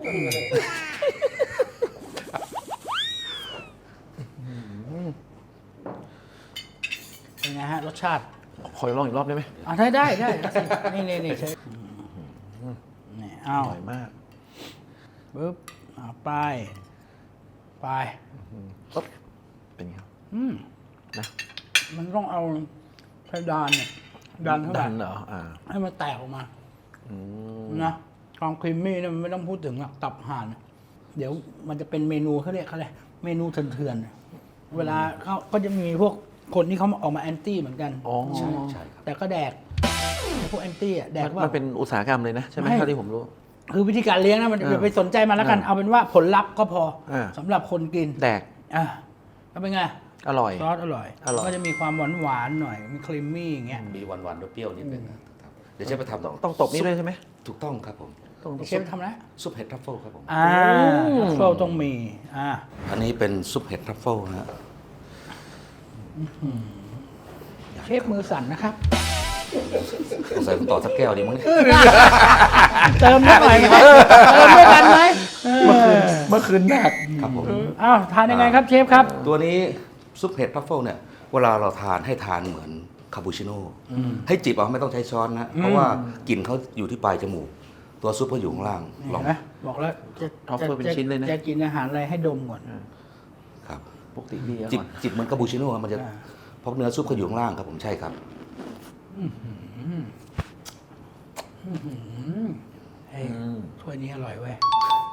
[SPEAKER 1] เป็นไงฮะรสชาติ
[SPEAKER 3] ขอลองอีกรอบได้ไหม
[SPEAKER 1] อ่ะได้ได้ได้นี่นี่นี่ใช่นี่
[SPEAKER 3] อ
[SPEAKER 1] เอา
[SPEAKER 3] ร่อยมาก
[SPEAKER 1] ปึ๊บเอาไปไป
[SPEAKER 3] ปุ๊บเป็นไงครับ
[SPEAKER 1] อืม
[SPEAKER 3] นะ
[SPEAKER 1] มันต้องเอาเพดานเนี่ยดันเข้าไป
[SPEAKER 3] ดันเหรออ่า
[SPEAKER 1] ให้มันแตกออกมา
[SPEAKER 3] อืม
[SPEAKER 1] นะความครีมมี่เนี่ยมันไม่ต้องพูดถึงหรอกตับห่าน เดี๋ยวมันจะเป็นเมนูเขาเรียกเขาเลยกเมนูเถื่อนๆเวลาเขาก็จะมีพวกคนที่เขาออกมาแอนตี้เหมือนกัน
[SPEAKER 3] อ๋อ
[SPEAKER 2] ใช่ใช่ครับ
[SPEAKER 1] แต่ก็แดกพวกแอนตี้อ่ะแดก
[SPEAKER 3] มัน
[SPEAKER 1] ว่า
[SPEAKER 3] มันเป็นอุตสาหกรรมเลยนะใช่ไหม
[SPEAKER 1] ไม่
[SPEAKER 3] เท่าที่ผมรู้
[SPEAKER 1] คือวิธีการเลี้ยงนะมัน
[SPEAKER 3] อ่า
[SPEAKER 1] อย่าไปสนใจมันแล้วกัน
[SPEAKER 3] อ่า
[SPEAKER 1] เอาเป็นว่าผลลัพธ์ก็พออา สำหรับคนกิน
[SPEAKER 3] แดก
[SPEAKER 1] อ่ะแล้วเป็นไง
[SPEAKER 3] อร่อย
[SPEAKER 1] ซอสอร่อย
[SPEAKER 3] อร่อย
[SPEAKER 1] ก็จะมีความหวานหวานๆหน่อยมีครีมมี่อย่างเงี้ย
[SPEAKER 2] มีหวานๆด้วยเปรี้ยวนิดนึงนะครับเดี๋ยวเชฟไปทำ
[SPEAKER 3] ต้องต้องตบนี่ด้วยใช่ไหม
[SPEAKER 2] ถูกต้องครับผม
[SPEAKER 3] ต้อง
[SPEAKER 1] เชฟทำแล้ว
[SPEAKER 2] ซุปเห็ดทรัฟเฟิลครับผม
[SPEAKER 1] อ่าทัฟเฟิลต้องมีอ่า
[SPEAKER 2] อันนี้เป็นซุปเห็ดทรัฟเฟิลนะฮะ
[SPEAKER 1] เชฟมือสั่นนะครับ
[SPEAKER 2] สงสัยคุณต่อสักแก้วดีมั้งเนี่ย
[SPEAKER 1] เติมนิดหน่อยไหมเติมด้วยกันไหมเออ
[SPEAKER 3] เมื่อคืนแดก
[SPEAKER 2] ครับผม
[SPEAKER 1] อ้าวทานยังไงครับเชฟครับ
[SPEAKER 2] ตัวนี้ซุปเห็ดทรัฟเฟิลเนี่ยเวลาเราทานให้ทานเหมือนคาปูชิโน่ให้จิบเอาไม่ต้องใช้ช้อนนะเพราะว่ากลิ่นเขาอยู่ที่ปลายจมูก ตัวซุปเขาอยู่ข้างล่างล
[SPEAKER 1] เห็
[SPEAKER 2] อง
[SPEAKER 1] นไหมบอกแล้วจะ
[SPEAKER 3] ท็อปเฟอร์เป็นชิ้นเลยนะ
[SPEAKER 1] จะกินอาหารอะไรให้ดมก่อน
[SPEAKER 2] ครับ
[SPEAKER 3] ปกติดีอะ
[SPEAKER 2] จิบ
[SPEAKER 3] ก่อน
[SPEAKER 2] จิบเหมือนคาปูชิโน่มันจะ
[SPEAKER 1] อ่า
[SPEAKER 2] เพราะเนื้อซุปเขาอยู่ข้างล่างครับผมใช่ครับ
[SPEAKER 1] เฮ้ยถ้วยนี้อร่อยเว้ย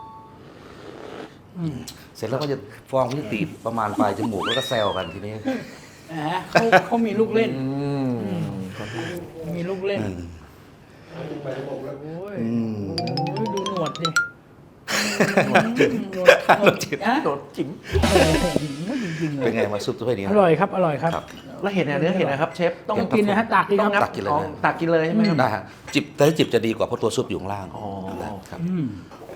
[SPEAKER 2] เสร็จแล้วก็จะฟองก็จะตีดประมาณปลายจมูกแล้วก็แซวกันทีนี้
[SPEAKER 1] อ่าเขาเขามีลูกเล่น
[SPEAKER 3] อืม
[SPEAKER 1] มีลูกเล่น
[SPEAKER 2] อืม
[SPEAKER 1] โอ้ย
[SPEAKER 2] อืม
[SPEAKER 1] โอ้ยดูหนวดดิหนวดหนวด
[SPEAKER 2] หนวดจิ๋ม
[SPEAKER 1] ฮะ
[SPEAKER 3] โดดจิ๋ม
[SPEAKER 1] จริงๆเล
[SPEAKER 2] เป็น
[SPEAKER 1] ย
[SPEAKER 2] ไงมาซุปถ้วยนี้
[SPEAKER 1] อร่อยครับ อร่อยครับ
[SPEAKER 2] ครับ
[SPEAKER 3] แล้วเห็นอะไรเนื้อเห็นนะครับเชฟ
[SPEAKER 1] ต้องกินนะฮะตักดี
[SPEAKER 3] ต้
[SPEAKER 1] ค
[SPEAKER 3] อง
[SPEAKER 1] รับ
[SPEAKER 3] งับ
[SPEAKER 2] ตักกินเลยนะ
[SPEAKER 3] อ๋อตักกินเลยใช่ไหมครับ
[SPEAKER 2] ได้ฮะจิบแต่ถ้าจิบจะดีกว่าเพราะตัวซุปอยู่ข้างล่าง
[SPEAKER 3] อ๋อ
[SPEAKER 2] ครับ
[SPEAKER 1] อืม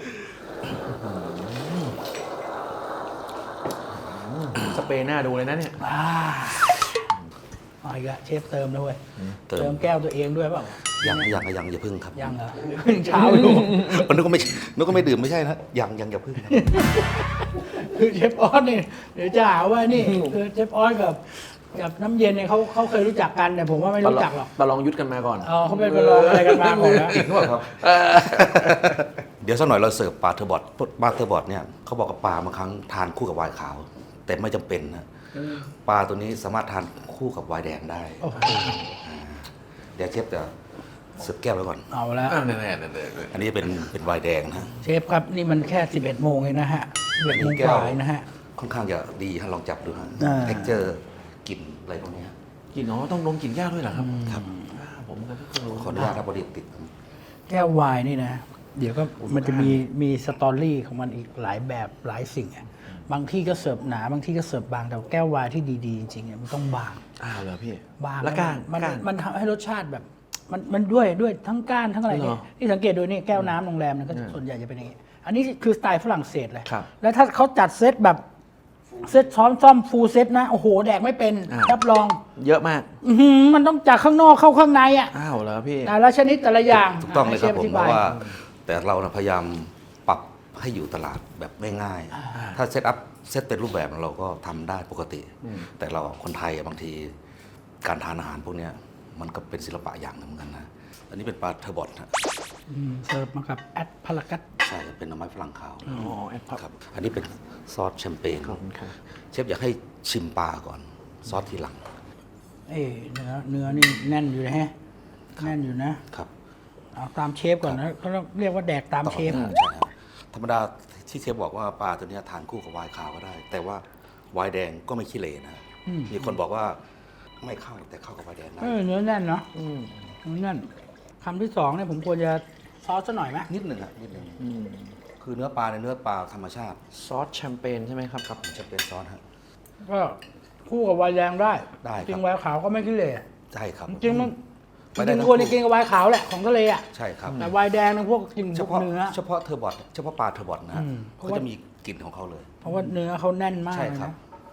[SPEAKER 3] สเปรย์หน้าดูเลยนะเนี่ย
[SPEAKER 1] อ่าเอาอีกแล้วเชฟเติมด้วย
[SPEAKER 2] เติม
[SPEAKER 1] เติมแก้วตัวเองด้วยเปล่า
[SPEAKER 2] ยังยังยังอย่าพึ่งครับ
[SPEAKER 1] ยังเหรอยังเช้าอยู่
[SPEAKER 2] นึกว่าไม่นึกว่าไม่ดื่มไม่ใช่นะยังยังอย่าพึ่งครับ
[SPEAKER 1] คือเชฟออสเนี่ยเดี๋ยวจะหาว่านี่คือเชฟออสกับกับน้ำเย็นเนี่ยเขาเขาเคยรู้จักกันแต่ผมว่าไม่รู้จักหรอก
[SPEAKER 3] ประลองยุทธกันมาก่อน
[SPEAKER 1] เออเขาเป็นไปลองอะไรกันมาก่อนแล้ว
[SPEAKER 2] จริงหรือเปล่าครับ เดี๋ยวสักหน่อยเราเสิร์ฟปลาเทอร์บอทปลาเทอร์บอทเนี่ยเขาบอกกับปลาบางครั้งทานคู่กับไวน์ขาว แต่ไม่จำเป็นนะปลาตัวนี้สามารถทานคู่กับไวน์แดงได้
[SPEAKER 1] โอ้โห
[SPEAKER 2] เดี๋ยวเชฟจะเสิร์ฟแก้วไว้ก่อน
[SPEAKER 1] เอาแล้ว
[SPEAKER 3] อ่าแน่ๆแน่ๆ
[SPEAKER 2] อันนี้เป็นเป็นไวน์แดงนะ
[SPEAKER 1] เชฟครับนี่มันแค่สิบเอ็ดโมงเองนะฮะสิบเอ็ดโมงกว่าเองนะฮะ
[SPEAKER 2] ค่อนข้างจะดีฮะลองจับดูฮะ
[SPEAKER 1] อ่า
[SPEAKER 2] เท็กเจอร์กลิ่นอะไรพวกเนี้ย
[SPEAKER 3] กินอ๋อต้องลงกินยากด้วยเหรอครับ
[SPEAKER 2] ครับ
[SPEAKER 3] อ่าผมก็เพิ่งรู้
[SPEAKER 2] ขออนุญาตครับบริติด
[SPEAKER 1] แก้ววายนี่นะ เดี๋ยวก็มันจะมีมีสตอรี่ของมันอีกหลายแบบหลายสิ่งอะบางที่ก็เสิร์ฟหนาบางที่ก็เสิร์ฟบางแต่แก้ววายที่ดีๆจริงๆเนี่ยมันต้องบาง
[SPEAKER 3] อ้าวเหรอพี่
[SPEAKER 1] บาง
[SPEAKER 3] แล้วก้าน
[SPEAKER 1] มัน
[SPEAKER 3] ก้าน
[SPEAKER 1] มันทำให้รสชาติแบบ มันมันด้วยด้วยทั้งก้านทั้งอะไร
[SPEAKER 3] เหร
[SPEAKER 1] เนี่
[SPEAKER 3] อ
[SPEAKER 1] ยที่สังเกตดูนี่แก้วน้ำโรงแรมเนี่ยก็
[SPEAKER 3] อืม
[SPEAKER 1] ส่วนใหญ่จะเป็นอย่างนี้ อันนี้คือสไตล์ฝรั่งเศสเลย
[SPEAKER 3] ครับ
[SPEAKER 1] แล้วถ้าเขาจัดเซตแบบเซตซ้อมซ่อมฟูลเซตนะ โอ้โห แดกไม่เป็น
[SPEAKER 3] อ่า
[SPEAKER 1] รับรอง
[SPEAKER 3] เยอะมาก
[SPEAKER 1] อื้อหือมันต้องจากข้างนอกเข้าข้างในอ่ะ
[SPEAKER 3] อ้าวเหรอพี่
[SPEAKER 1] แต่ละชนิดแต่ละอย่าง
[SPEAKER 2] ถูกต้องเลยครับ
[SPEAKER 1] ให้
[SPEAKER 2] ผ
[SPEAKER 1] ช
[SPEAKER 2] ม
[SPEAKER 1] ฟ
[SPEAKER 2] เพ
[SPEAKER 1] อธิบ
[SPEAKER 2] ราะว่า แต่เรานะพยายามปรับให้อยู่ตลาดแบบง่ายๆถ้าเซตอัพเซตเป็นรูปแบบเราก็ทำได้ปกติ แต่เราคนไทยอะบางทีการทานอาหารพวกเนี้ยมันก็เป็นศิลปะอย่างหนึ่งเหมือนกันนะอันนี้เป็นปลาเทอร์บอทนะ
[SPEAKER 1] อืมเสิร์ฟมากับแอดพารากัส
[SPEAKER 2] ใช่เป็นหน่อไม้ฝรั่งขาว
[SPEAKER 3] อ๋อแอดพับ
[SPEAKER 2] ครับอันนี้เป็นซอสแชมเปญ
[SPEAKER 3] ขอบคุณครับ
[SPEAKER 2] เชฟอยากให้ชิมปลาก่อน ซอสทีหลัง
[SPEAKER 1] เอ้ยเนื้อเนื้อนี่แน่นอยู่นะฮะแน่นอยู่นะครับ เอาตามเชฟก่อนนะเขาต้องเรียกว่าแดกตามเชฟ
[SPEAKER 2] ต่อใช่ครับธรรมดาที่เชฟบอกว่าปลาตัวเนี้ยทานคู่กับไวน์ขาวก็ได้ แต่ว่าไวน์แดงก็ไม่ขี้เหร่นะ
[SPEAKER 1] อืม
[SPEAKER 2] มีคนบอกว่าไม่เข้าแต่เข้ากับไวน์แดงได้
[SPEAKER 1] เออเนื้อแน่นเนาะ
[SPEAKER 3] อืม
[SPEAKER 1] เนื้อแน่นคำที่สองเนี่ยผมควรจะซอสซะหน่อยไหม
[SPEAKER 2] นิดหนึ่งอะนิดหนึ่ง
[SPEAKER 3] อืม
[SPEAKER 2] คือเนื้อปลาในเนื้อปลาธรรมชาติ
[SPEAKER 3] ซอสแชมเปญใช่ไหมครับ
[SPEAKER 2] ครับผมจะเป็นซอสฮะ
[SPEAKER 1] ก็คู่กับไวน์แดงได้
[SPEAKER 2] ได้ครับ
[SPEAKER 1] จริงไวน์ขาวก็ไม่ขี้เหร่
[SPEAKER 2] ใช่ครับ
[SPEAKER 1] จริงๆมัน
[SPEAKER 2] ไม่
[SPEAKER 1] จ
[SPEAKER 2] ได้
[SPEAKER 1] ริง
[SPEAKER 2] ทั้
[SPEAKER 1] ๆ
[SPEAKER 2] ง
[SPEAKER 1] ควร
[SPEAKER 2] คู่
[SPEAKER 1] จะกินกับไวน์ขาวแหละของทะเลอ่ะ
[SPEAKER 2] ใช่ครับ
[SPEAKER 1] แต่ไวน์แดงนะพวกกิน
[SPEAKER 2] เฉ
[SPEAKER 1] พวก
[SPEAKER 2] พาะ
[SPEAKER 1] เนื้อ
[SPEAKER 2] เฉพาะเทอร์บอทเฉพาะปลาเทอร์บอทนะฮะ
[SPEAKER 1] อืมเพราะ
[SPEAKER 2] เขา
[SPEAKER 1] ว่า
[SPEAKER 2] จะมีกลิ่นของเขาเลย
[SPEAKER 1] เพราะว่าเนื้อเขาแน่นมาก
[SPEAKER 2] ใช่
[SPEAKER 1] เลย
[SPEAKER 2] ครับ
[SPEAKER 1] นะ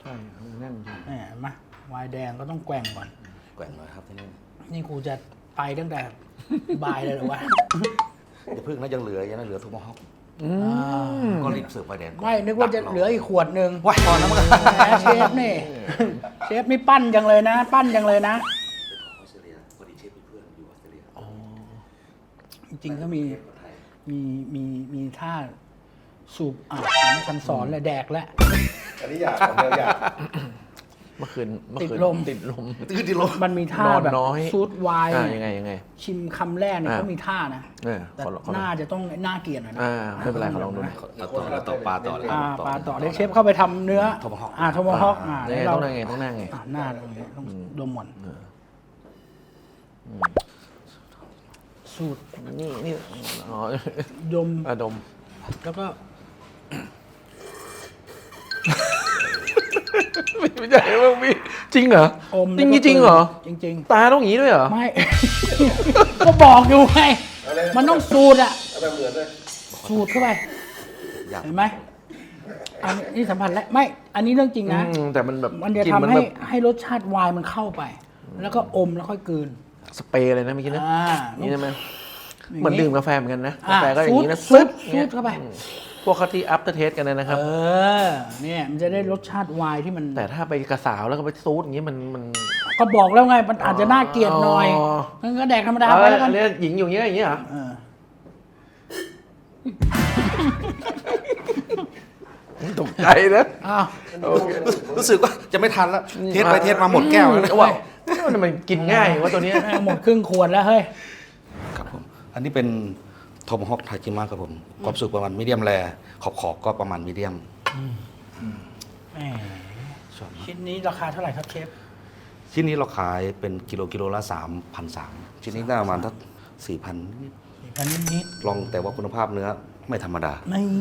[SPEAKER 3] ใช่แน่นจริง
[SPEAKER 1] แหมมาวายแดงก็ต้องแกว่งก่อน
[SPEAKER 2] แกว่งหน่อยครับที่นี่
[SPEAKER 1] นี่กูจะไปตั้งแต่ บ่ายเลยเหรอวะ
[SPEAKER 2] อย่าเพิ่งนะยังเหลือยังเหลือทุกมอฮอก
[SPEAKER 3] อืม
[SPEAKER 2] ก็รีบเสิร์ฟไฟแดงก่อน
[SPEAKER 1] ไม่นึกว่าจะเหลืออีกขวดหนึ่ง
[SPEAKER 2] ว้ายพอนะมันก็
[SPEAKER 1] แหมเชฟนี่ เชฟนี่ปั้นจังเลยนะ ปั้นจังเลยนะ
[SPEAKER 2] ออสเตรเลียพอดีเชฟมีเพื่อนอยู่ออสเตรเลีย
[SPEAKER 1] จริงๆก็มีมีมีมีท่าสูบอ่ะฉันสอนเลยแดกแล้ว
[SPEAKER 4] อันนี้อยากของเดียวอยาก
[SPEAKER 3] เมื่อคืนเมื่อ
[SPEAKER 1] ติด
[SPEAKER 3] คืน
[SPEAKER 1] ลม
[SPEAKER 3] ติดลม
[SPEAKER 2] ตื้อที่ลม
[SPEAKER 1] มันมีท่าน
[SPEAKER 3] อน
[SPEAKER 1] แบบ
[SPEAKER 3] น้อย
[SPEAKER 1] ซูดไวน์
[SPEAKER 3] อ่ายังไงยังไง
[SPEAKER 1] ชิมคำแรกเนี่ย
[SPEAKER 3] อ่า
[SPEAKER 1] เขามีท่านะ
[SPEAKER 3] เออ
[SPEAKER 1] แต่
[SPEAKER 3] ขอขอ
[SPEAKER 1] น่าจะต้องน่าเกลียดหน่อยนะ
[SPEAKER 3] อ่าไม่เป็นไรขอลองดูหน่อย
[SPEAKER 2] เราต่อเราต่อปลาต่อเลย
[SPEAKER 1] อ่าปลาต่อเด็กเชฟเข้าไปทำเนื้อ
[SPEAKER 2] Tomahawk
[SPEAKER 1] อ่าโทมฮอกอ่า
[SPEAKER 3] ยังไง
[SPEAKER 1] เรา
[SPEAKER 3] ต้องนั่งไงต้องนั่งไง
[SPEAKER 1] อ่าหน้าตรงนี้ต้องดมหมดสูตร
[SPEAKER 3] นี่นี่อ๋อ
[SPEAKER 1] ดม
[SPEAKER 3] อะดม
[SPEAKER 1] แล้วก็
[SPEAKER 3] ไม่ใช่ว่ามีจริงเหรอ
[SPEAKER 1] อม
[SPEAKER 3] จริง
[SPEAKER 1] แล้วก็
[SPEAKER 3] จริงเหรอ
[SPEAKER 1] จริง
[SPEAKER 3] ตาต้องอย่างนี้ด้วยเหรอ
[SPEAKER 1] ๆ ไม่ ก็บอกอยู่ไงมันต้องสูตรอะ
[SPEAKER 4] เอาแบบเหมือนเลย
[SPEAKER 1] สูตรเข้าไป
[SPEAKER 2] อยาก
[SPEAKER 1] เห็นไหมอันนี้สัมผัสแล้วไม่ อันนี้เรื่องจริงนะ
[SPEAKER 3] อืมแต่มันแบบ
[SPEAKER 1] มันจะ
[SPEAKER 3] กลิ่
[SPEAKER 1] ทำ
[SPEAKER 3] มัน
[SPEAKER 1] ให้
[SPEAKER 3] แบบ
[SPEAKER 1] ให้รสชาติไวน์มันเข้าไป แล้วก็อมแล้วค่อยกลืน
[SPEAKER 3] สเปรย์เลยนะเมื่อกี้นะ
[SPEAKER 1] อ่า
[SPEAKER 3] นี่ใช่ไหม
[SPEAKER 1] ย่าง
[SPEAKER 3] เหมือนดื่มกาแฟเหมือนกันนะ
[SPEAKER 1] อ่
[SPEAKER 3] กาแฟก็อย่างนี้นะ
[SPEAKER 1] ซูด
[SPEAKER 3] อย่างงี้ย
[SPEAKER 1] ซูดเข้าไป
[SPEAKER 3] อืมพวกเขาที่อัพเตอร์เทสกันนะนะครับ
[SPEAKER 1] เออ เนี่ยมันจะได้รสชาติไวน์ที่มัน
[SPEAKER 3] แต่ถ้าไปกระสาวแล้วก็ไปซูดอย่างนี้มันมัน
[SPEAKER 1] ก็บอกแล้วไง มันอาจจะน่าเกลียดหน่อย
[SPEAKER 3] อ๋อ
[SPEAKER 1] งั้นก็แดกธรรมดา
[SPEAKER 3] เอา
[SPEAKER 1] ไปแล้วกัน
[SPEAKER 3] เรียกหญิงอยู่อย่างนี้อย่างนี้เหรอ
[SPEAKER 1] เออ
[SPEAKER 3] ตกใจนะ
[SPEAKER 1] อ้าว
[SPEAKER 2] รู้สึกว่าจะไม่ทันแล้ว เทสไปเทสมาหมดแก้วแล้ว
[SPEAKER 3] ว้าวมันมันกินง่ายว่าตัวเนี้ย
[SPEAKER 1] แม่งหมดครึ่งขวดแล้วเฮ้ย
[SPEAKER 2] ครับผม อันนี้เป็นโทมฮอกทาจิมะครับผมความสุกประมาณมีเดียมแรขอบขอบๆก็ประมาณมีเดียม
[SPEAKER 1] แหมชิ้นนี้ราคาเท่าไหร่ครับเชฟ
[SPEAKER 2] ชิ้นนี้เราขายเป็นกิโลกิโลละสามพันสามชิ้นนี้ได้ประมาณทักสี่พัน
[SPEAKER 1] สี่พันนิด
[SPEAKER 2] ลองแต่ว่าคุณภาพเนื้อไม่ธรรมดา
[SPEAKER 1] ๆนี่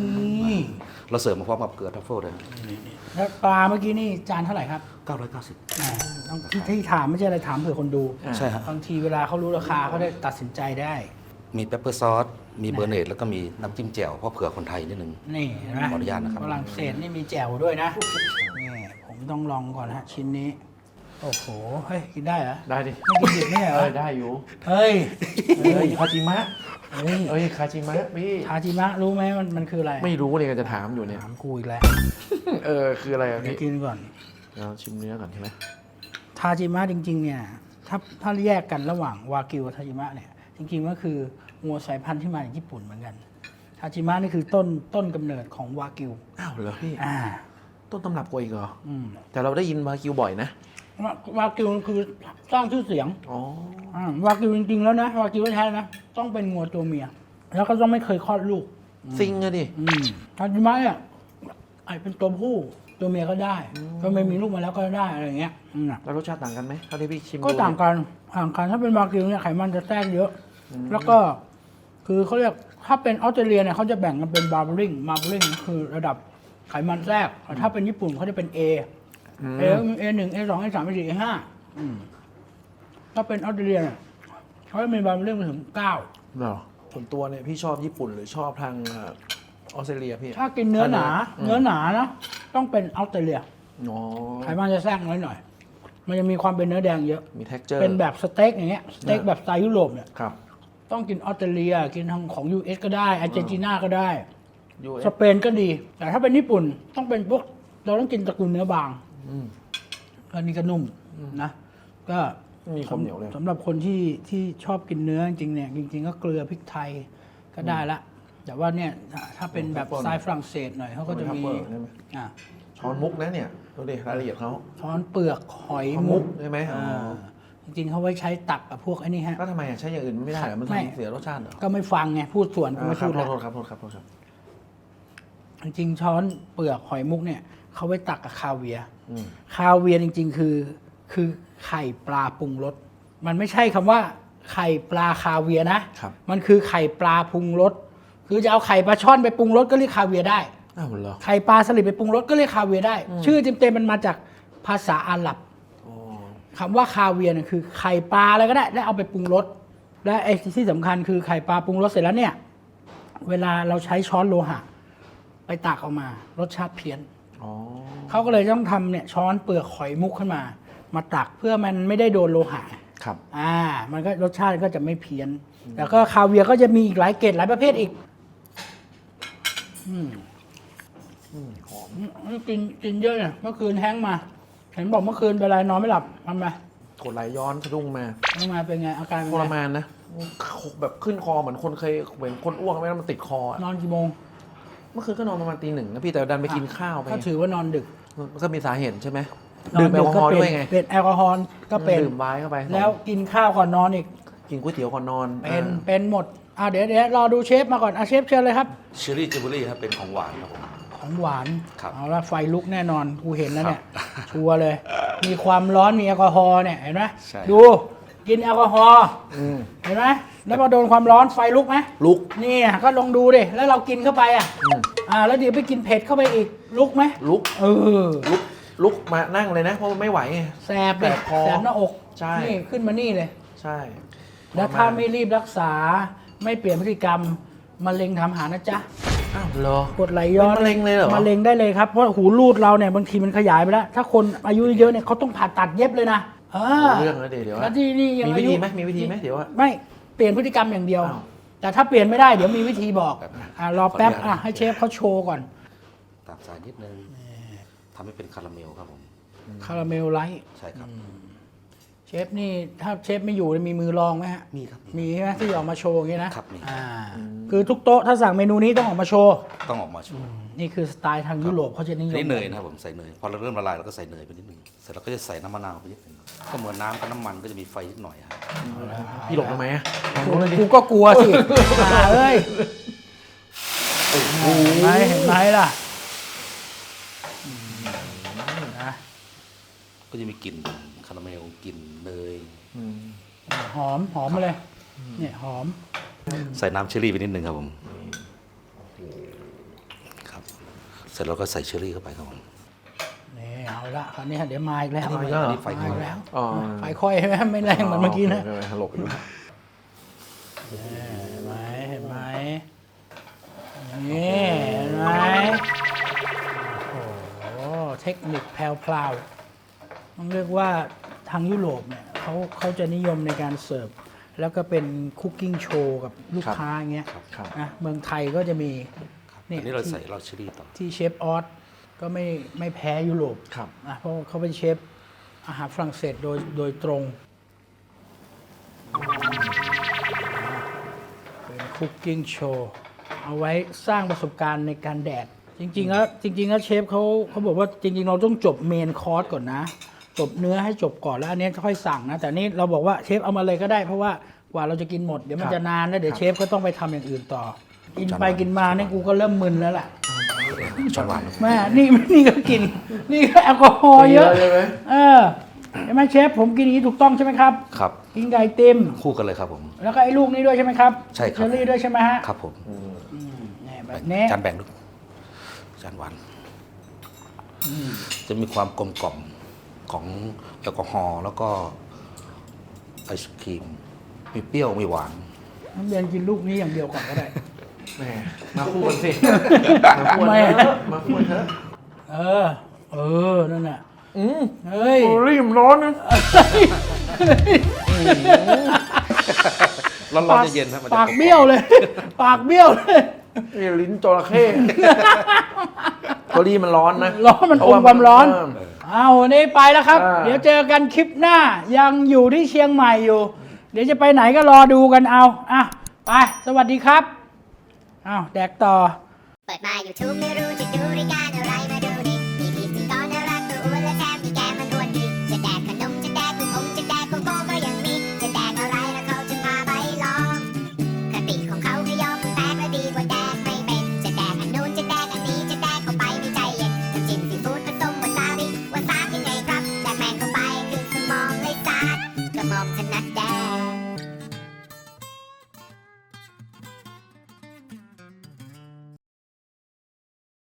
[SPEAKER 2] เราเสิร์ฟมาพร้อมกับเกลือทัฟเฟิลเลย
[SPEAKER 1] แล้วปลาเมื่อกี้นี่จานเท่าไหร่ครับ
[SPEAKER 2] เก้าร้อยเก้าสิบ
[SPEAKER 1] อ่าต้องที่ที่ถามไม่ใช่อะไรถามเผื่อคนดู
[SPEAKER 2] ใช่ฮะ
[SPEAKER 1] บางทีเวลาเขารู้ราคาเขาได้ตัดสินใจได้
[SPEAKER 2] มีเปปเปอร์ซอส มีเบอร์เนตแล้วก็มีน้ำจิ้มแจ่วเพราะเผื่อคนไทยนิดนึง
[SPEAKER 1] นี่เห็นไหม
[SPEAKER 2] ขออนุญาตนะครับ
[SPEAKER 1] ฝรั่งเศสนี่มีแจ่วด้วยนะ นี่ผมต้องลองก่อนฮะชิ้นนี้ โอ้โห เฮ้ย กินได้เหรอ
[SPEAKER 3] ได้ดิ
[SPEAKER 1] ไม่กินดิบไม่ใช่เหร
[SPEAKER 3] เอ
[SPEAKER 1] อ
[SPEAKER 3] อได้อยู่
[SPEAKER 1] เฮ้ย
[SPEAKER 3] เฮ้ยคาจิมะ
[SPEAKER 1] เฮ้ย
[SPEAKER 3] เอ้ยคาจิมะพี่
[SPEAKER 1] ทาจิมะรู้ไหมมันมันคืออะไร
[SPEAKER 3] ไม่รู้เลยก็จะถามอยู่เนี่ย
[SPEAKER 1] ถามกูอีกแล้ว
[SPEAKER 3] เออคืออะไรอ่ะ
[SPEAKER 1] เดี๋ยว
[SPEAKER 3] พี่
[SPEAKER 1] กินก่อน
[SPEAKER 3] เราชิมเนื้อก่อนใช่ไหม
[SPEAKER 1] ทาจิมะจริง ๆ เนี่ย ถ้าถ้าแยกกันระหว่างวากิวกับทาจิมะเนี่ย จริง ๆ ก็คืองัวสายพันธุ์ที่มาจากญี่ปุ่นเหมือนกัน ทาจิมะนี่คือต้นต้นกำเนิดของวากิว
[SPEAKER 3] อ้าวเหรอพี่
[SPEAKER 1] อ่า
[SPEAKER 3] ต้นตำรับกว่าอีกเหรอ
[SPEAKER 1] อืม
[SPEAKER 3] แต่เราได้ยินวากิวบ่อยนะ
[SPEAKER 1] วาวากิวคือสร้างชื่อเสียง
[SPEAKER 3] อ๋อ
[SPEAKER 1] อ่าวากิวจริงๆแล้วนะวากิวแท้ๆนะต้องเป็นงัวตัวเมีย แล้วก็ต้องไม่เคยคลอดลูก
[SPEAKER 3] ซิงอะดิ
[SPEAKER 1] อืมทาจิมะเนี่ยไอเป็นตัวผู้ตัวเมียก็ได้ก็ไม่มีลูกมาแล้วก็ได้อะไรอย่างเงี้ยอืมน่ะ
[SPEAKER 3] แล้วรสชาติต่างกันไหมเท่าที่พี่ชิม
[SPEAKER 1] ก็
[SPEAKER 3] ดู
[SPEAKER 1] ต่างกันต่างกันถ้าเป็นวากิวเนี่ยไขมันจะแทรกเยอะ แล้วก็คือเขาเรียกถ้าเป็นออสเตรเลียเนี่ยเขาจะแบ่งกันเป็นบาร์เบอริงบาร์เบอริงคือระดับไขมันแทรกแต่ถ้าเป็นญี่ปุ่นเขาจะเป็น A
[SPEAKER 3] อืม
[SPEAKER 1] เอเอหนึ่งเอสองเอสามเอสี่เอห้าถ้าเป็นออสเตรเลียเนี่ยเขาจะมีบาร์เบอริงไปถึงเก้า
[SPEAKER 3] เหรอส่วนตัวเนี่ยพี่ชอบญี่ปุ่นหรือชอบทางเอ่อออสเตรเลียพี่
[SPEAKER 1] ถ้ากินเนื้อหนา
[SPEAKER 3] อืม
[SPEAKER 1] เนื้อหนานะต้องเป็นออสเตรเลีย
[SPEAKER 3] อ๋อ
[SPEAKER 1] ไขมันจะแทรกน้อยหน่อย มันจะมีความเป็นเนื้อแดงเยอะ
[SPEAKER 3] มี texture
[SPEAKER 1] เป็นแบบสเต็กอย่างเงี้ยสเต็กแบบสไตล์ยุโรปเนี่ย
[SPEAKER 3] ครับ
[SPEAKER 1] ต้องกินออสเตรเลีย กินทางของ ยู เอส ก็ได้อาร์เจนตินาก็ได้
[SPEAKER 3] ยู
[SPEAKER 1] สเปนก็ดี แต่ถ้าเป็นญี่ปุ่นต้องเป็นพวกเราต้องกินตระกูลเนื้อบาง
[SPEAKER 3] อืม
[SPEAKER 1] อันนี้ก็นุ่มนะ ก็
[SPEAKER 3] มีความเหนียวเลย
[SPEAKER 1] สำหรับคนที่ที่ชอบกินเนื้อจริงๆเนี่ยจริง ๆ ก็เกลือพริกไทยก็ได้ละ แต่ว่าเนี่ยถ้าเป็นแบบสไตล์ฝรั่งเศสหน่อยเขาก็จะมี
[SPEAKER 3] เปิดใช่ไหม
[SPEAKER 1] อ่ะ
[SPEAKER 3] ช้อนมุกนะเนี่ยดูดิรายละเอียดเขา
[SPEAKER 1] ช้อนเปลือกหอย
[SPEAKER 3] ช้อนมุ
[SPEAKER 1] มุ
[SPEAKER 3] ก
[SPEAKER 1] ก
[SPEAKER 3] ใช่ไหมอ๋อ
[SPEAKER 1] อ่าจริงๆเขาไว้ใช้ตักกับพวกไอ้นี่ฮะ
[SPEAKER 3] ก็ทำไมอ่ะใช้อย่างอื่นไม่ได้เหรอมัน
[SPEAKER 1] ไม่
[SPEAKER 3] ทำเสียรสชาติเหรอ
[SPEAKER 1] ก็ไม่ฟังไงพูดส่วนก็
[SPEAKER 3] อ่า
[SPEAKER 1] ไม่
[SPEAKER 3] ครั
[SPEAKER 1] พู
[SPEAKER 3] บ
[SPEAKER 1] ด
[SPEAKER 3] โท
[SPEAKER 1] ละ
[SPEAKER 3] ษครับโทษครับโทษครับ
[SPEAKER 1] จริงๆช้อนเปลือกหอยมุกเนี่ยเขาไว้ตักกับคาเวียร์
[SPEAKER 3] อืม
[SPEAKER 1] คาเวียร์จริง ๆ คือ คือไข่ปลาปรุงรสมันไม่ใช่คำว่า ไข่ปลาคาเวียร์นะครับ มันคือไข่ปลาปรุงรสคือจะเอาไข่ปลาช่อนไปปรุงรสก็เรียกคาเวียร์ได้
[SPEAKER 3] อ้าวเหรอ
[SPEAKER 1] ไข่ปลาสลิดไปปรุงรสก็เรียกคาเวียร์ได้ ชื่อเต็มๆมันมาจากภาษาอาหรับ
[SPEAKER 3] อ๋อ
[SPEAKER 1] คำว่าคาเวียร์เนี่ยคือไข่ปลาอะไรก็ได้แล้วเอาไปปรุงรสและไอ้ที่สำคัญคือไข่ปลาปรุงรสเสร็จแล้วเนี่ย เวลาเราใช้ช้อนโลหะ ไปตักออกมารสชาติเพี้ยน
[SPEAKER 3] อ๋อ
[SPEAKER 1] เขาก็เลยต้องทำเนี่ยช้อนเปลือกหอยมุกขึ้นมา มาตักเพื่อมันไม่ได้โดนโลหะ
[SPEAKER 3] ครับ
[SPEAKER 1] อ่า มันก็รสชาติก็จะไม่เพี้ยน แล้วก็คาเวียร์ก็จะมีอีกหลายเกรดหลายประเภทอีก อืม
[SPEAKER 3] อืมหอม
[SPEAKER 1] อืมกินกินเยอะเนี่ยเมื่อคืนแฮงก์มา เห็นบอกเมื่อคืนเป็นไรนอนไม่หลับทำไม
[SPEAKER 3] กดไหลย้อนสะดุ้งมา
[SPEAKER 1] ทำไมเป็นไงอาการเป็น
[SPEAKER 3] ทร
[SPEAKER 1] ไง
[SPEAKER 3] มานนะแบบขึ้นคอเหมือนคนเคยเหมือนคนอ้วกไหมแล้วมันติดคออะ
[SPEAKER 1] นอนกี่โมง
[SPEAKER 3] เมื่อคืนก็นอนประมาณตีหนึ่งนะพี่แต่ดันไปกินข้าวไป
[SPEAKER 1] ก็ถือว่านอนดึก
[SPEAKER 3] มันก็มีสาเหตุใช่ไหม
[SPEAKER 1] นน
[SPEAKER 3] ดื่มแอลกอฮอล์ด้วยไง
[SPEAKER 1] เป็นแอลกอฮอล์ก็เป็น
[SPEAKER 3] ดื่มไว้เข้าไป
[SPEAKER 1] แล้วกินข้าวก่อนนอนอีก
[SPEAKER 3] กินก๋วยเตี๋ยวก่อนนอน
[SPEAKER 1] เป็น
[SPEAKER 3] อ่า
[SPEAKER 1] เป็นหมดอ่าเดี๋ยวเดี๋ยวรอดูเชฟมาก่อนอ่ะเชฟเชิญเลยครับ
[SPEAKER 2] เชอรี่จิวเวลรี่ครับเป็นของหวานครับผม
[SPEAKER 1] ของหวาน
[SPEAKER 2] ครับ
[SPEAKER 1] เอาละไฟลุกแน่นอนกูเห็นแล้วเนี่ย
[SPEAKER 2] ครับ
[SPEAKER 1] ชัวร์เลย มีความร้อนมีแอลกอฮอล์เนี่ยเห็นไหม
[SPEAKER 2] ใช่
[SPEAKER 1] ดูกินแอลกอฮอล์
[SPEAKER 3] อืม
[SPEAKER 1] เห็นไหมแล้วพอโดนความร้อนไฟลุกไหม
[SPEAKER 3] ลุก
[SPEAKER 1] นี่อ่ะก็ลองดูดิแล้วเรากินเข้าไปอ่ะ
[SPEAKER 3] อืม
[SPEAKER 1] อ่าแล้วเดี๋ยวไปกินเผ็ดเข้าไปอีกลุกไหม
[SPEAKER 3] ลุก
[SPEAKER 1] เออ
[SPEAKER 3] ลุกลุกมานั่งเลยนะเพราะมันไม่ไหวไง
[SPEAKER 1] แสบเลย
[SPEAKER 3] แสบคอ
[SPEAKER 1] แสบหน้าอก
[SPEAKER 3] ใช่
[SPEAKER 1] นี่ขึ้นมานี่เลย
[SPEAKER 3] ใช่
[SPEAKER 1] แล้วถ้าไม่รีบรักษาไม่เปลี่ยนพฤติกรรมมะเร็งทำหานะจ๊ะ
[SPEAKER 3] อ้าวเหรอก
[SPEAKER 1] ดไหลย้อน
[SPEAKER 3] เป็นมะเร็งเลยเหรอ
[SPEAKER 1] มะเร็งได้เลยครับเพราะหูรูดเราเนี่ยบางทีมันขยายไปแล้ว ถ้าคนอายุเยอะเนี่ยเขาต้องผ่าตัดเย็บเลยนะเออ
[SPEAKER 3] เรื่องแล้วเดี๋ยวเดี๋ยว
[SPEAKER 1] แล้วที่นี่ยัง
[SPEAKER 3] มีวิ
[SPEAKER 1] อายุ
[SPEAKER 3] ธีไหมมีวิธีไหมเดี๋ยวอะ
[SPEAKER 1] ไม่เปลี่ยนพฤติกรรมอย่างเดียว
[SPEAKER 3] อ้าว
[SPEAKER 1] แต่ถ้าเปลี่ยนไม่ได้เดี๋ยวมีวิธีบอก
[SPEAKER 2] แบบนั้น
[SPEAKER 1] อ่ารอแป๊บ
[SPEAKER 2] ขออนุญาต
[SPEAKER 1] อ่ะให้เชฟเขาโชว์ก่อน
[SPEAKER 2] ตามสายนิดนึงทำให้เป็นคาราเมลครับผม
[SPEAKER 1] คาราเมลไลท์
[SPEAKER 2] ใช่ครับ
[SPEAKER 1] เชฟนี่ถ้าเชฟไม่อยู่เนี่ยมีมือรองไหมฮะ
[SPEAKER 2] มีครับ
[SPEAKER 1] มีใช่ไหมที่ออกมาโชว์อย่างนี้นะครับ
[SPEAKER 2] มี
[SPEAKER 1] อ่าคือทุกโต๊ะถ้าสั่งเมนูนี้ต้องออกมาโชว์
[SPEAKER 2] ต้องออกมาโชว์
[SPEAKER 1] นี่คือสไตล์ทางยุโรปเขาจะนิย
[SPEAKER 2] อัน
[SPEAKER 1] ม
[SPEAKER 2] นี่เนยนะครับผมใส่เนยพอเราเริ่มละลายเราก็ใส่เนยไปนิดนึงเสร็จเราก็จะใส่น้ำมะนาวไปนิดนึงก็เหมือนน้ำกับน้ำมันก็จะมีไฟนิดหน่อยครับ
[SPEAKER 3] พี่หลบทำไมอะ
[SPEAKER 1] กูกูก็กลัวสิอ่าเอ้ยเห็นไหมเห็นไหมล่ะอืมนะ
[SPEAKER 2] ก็จะมีกลิ่นคาราเมลกลิ่นเนย
[SPEAKER 3] อืม
[SPEAKER 1] หอมหอมมาเลย เนี่ยหอม
[SPEAKER 2] ใส่น้ำเชอรี่ไปนิดนึงครับผมครับเสร็จแล้วก็ใส่เชอรี่เข้าไปครับผม
[SPEAKER 1] นี่เอาละคราวนี้เดี๋ยวมาอีกแล้ว
[SPEAKER 2] อันนี้
[SPEAKER 3] เอาอีกแล้วเหรอ
[SPEAKER 2] ไฟ
[SPEAKER 1] มา
[SPEAKER 2] ค่อย
[SPEAKER 1] อีกแล้ว
[SPEAKER 3] อ๋อ
[SPEAKER 1] ไฟค่อยใช่ไหมไม่แรงเหมือนเมื่อกี้นะ
[SPEAKER 3] โคหลบอยู่
[SPEAKER 1] เห็นไหมเห็นไหมนี่เห็นไหมโอ้โหเทคนิคแพรวๆต้องเรียกว่าทางยุโรปเนี่ยเขาเขาจะนิยมในการเสิร์ฟแล้วก็เป็นคุกกิ้งโชว์กับลูกค้าอย่างเงี้ย
[SPEAKER 3] ครับ
[SPEAKER 1] นะเมืองไทยก็จะมี
[SPEAKER 2] อันนี้เราใส่เราเชอรี่ต่อ
[SPEAKER 1] ที่เชฟออสก็ไม่ไม่แพ้ยุโรป
[SPEAKER 3] ครับ
[SPEAKER 1] นะเพราะเขาเป็นเชฟอาหารฝรั่งเศสโดยโดยตรง เป็นคุกกิ้งโชว์เอาไว้สร้างประสบการณ์ในการแดก จริง ๆ แล้วจริง ๆ แล้วเชฟเขาเขาบอกว่าจริง ๆ เราต้องจบเมนคอร์สก่อนนะ จบเนื้อให้จบก่อนแล้วอันนี้ค่อยสั่งนะ แต่นี่เราบอกว่าเชฟเอามาเลยก็ได้เพราะว่ากว่าเราจะกินหมดเดี๋ยวมัน
[SPEAKER 3] ครับ
[SPEAKER 1] จะนานแล้วเดี๋ยว
[SPEAKER 3] ครับ
[SPEAKER 1] เชฟก็ต้องไปทำอย่างอื่นต่อ กินไป
[SPEAKER 2] ช้อนหวาน
[SPEAKER 1] กินมาเนี่ยกูก็เริ่มมึนแล้วล่ะ
[SPEAKER 2] ช้อนหวาน
[SPEAKER 1] แม่นี่นี่ก็กิน นี่ก็แอลกอฮอล์เยอะ
[SPEAKER 3] ใช่ไหม
[SPEAKER 1] เออใช่ไหมเชฟผมกินอย่างนี้ถูกต้องใช่ไหมครับ
[SPEAKER 2] ครับ
[SPEAKER 1] กินไก่ติม
[SPEAKER 2] คู่กันเลยครับผม
[SPEAKER 1] แล้วก็ไอ้ลูกนี้ด้วยใช่ไหมครับ
[SPEAKER 2] ใช่ครับ
[SPEAKER 1] เชอรี่ด้วยใช่ไหมฮะ
[SPEAKER 2] ครับผม
[SPEAKER 1] อืมเนี่ยแบบนี้
[SPEAKER 2] จานแบ่งด้วยจานหวานจะมีความกลมกล่อมของแอลกอฮอล์แล้วก็ไอศครีมมีเปรี้ยวมีหวาน
[SPEAKER 1] น้ำเรียนกินลูกนี้อย่างเดียวก่อนก็ได้
[SPEAKER 3] แหมมาคู่กันสิมาคู่
[SPEAKER 1] ไม่
[SPEAKER 3] กันเถอะมาคู่กันเถอะ
[SPEAKER 1] เออ เออ นั่นน่ะ
[SPEAKER 3] อืม
[SPEAKER 1] เฮ้ย
[SPEAKER 3] โอ้รีบร้อนนะ
[SPEAKER 2] ร้อนๆเย็นๆครับมันจะ
[SPEAKER 1] ปากเบี้ยวเลย ปากเบี้ยวเลย
[SPEAKER 3] นี่ลิ้นจระเข้เกาหลีมันร้อนนะ
[SPEAKER 1] ร้อนมัน
[SPEAKER 3] เพ
[SPEAKER 1] อ
[SPEAKER 3] ราะ
[SPEAKER 1] ม
[SPEAKER 3] ว่า
[SPEAKER 1] ความร้อน
[SPEAKER 3] เ
[SPEAKER 1] เอาวันนี้ไปแล้วครับ
[SPEAKER 3] อ่า
[SPEAKER 1] เดี๋ยวเจอกันคลิปหน้า ยังอยู่ที่เชียงใหม่อยู่ เดี๋ยวจะไปไหนก็รอดูกันเอา อ่ะ ไป สวัสดีครับ อ้าว แดกต่อ
[SPEAKER 5] เปิดมา YouTube ไม่รู้จะดูรายการ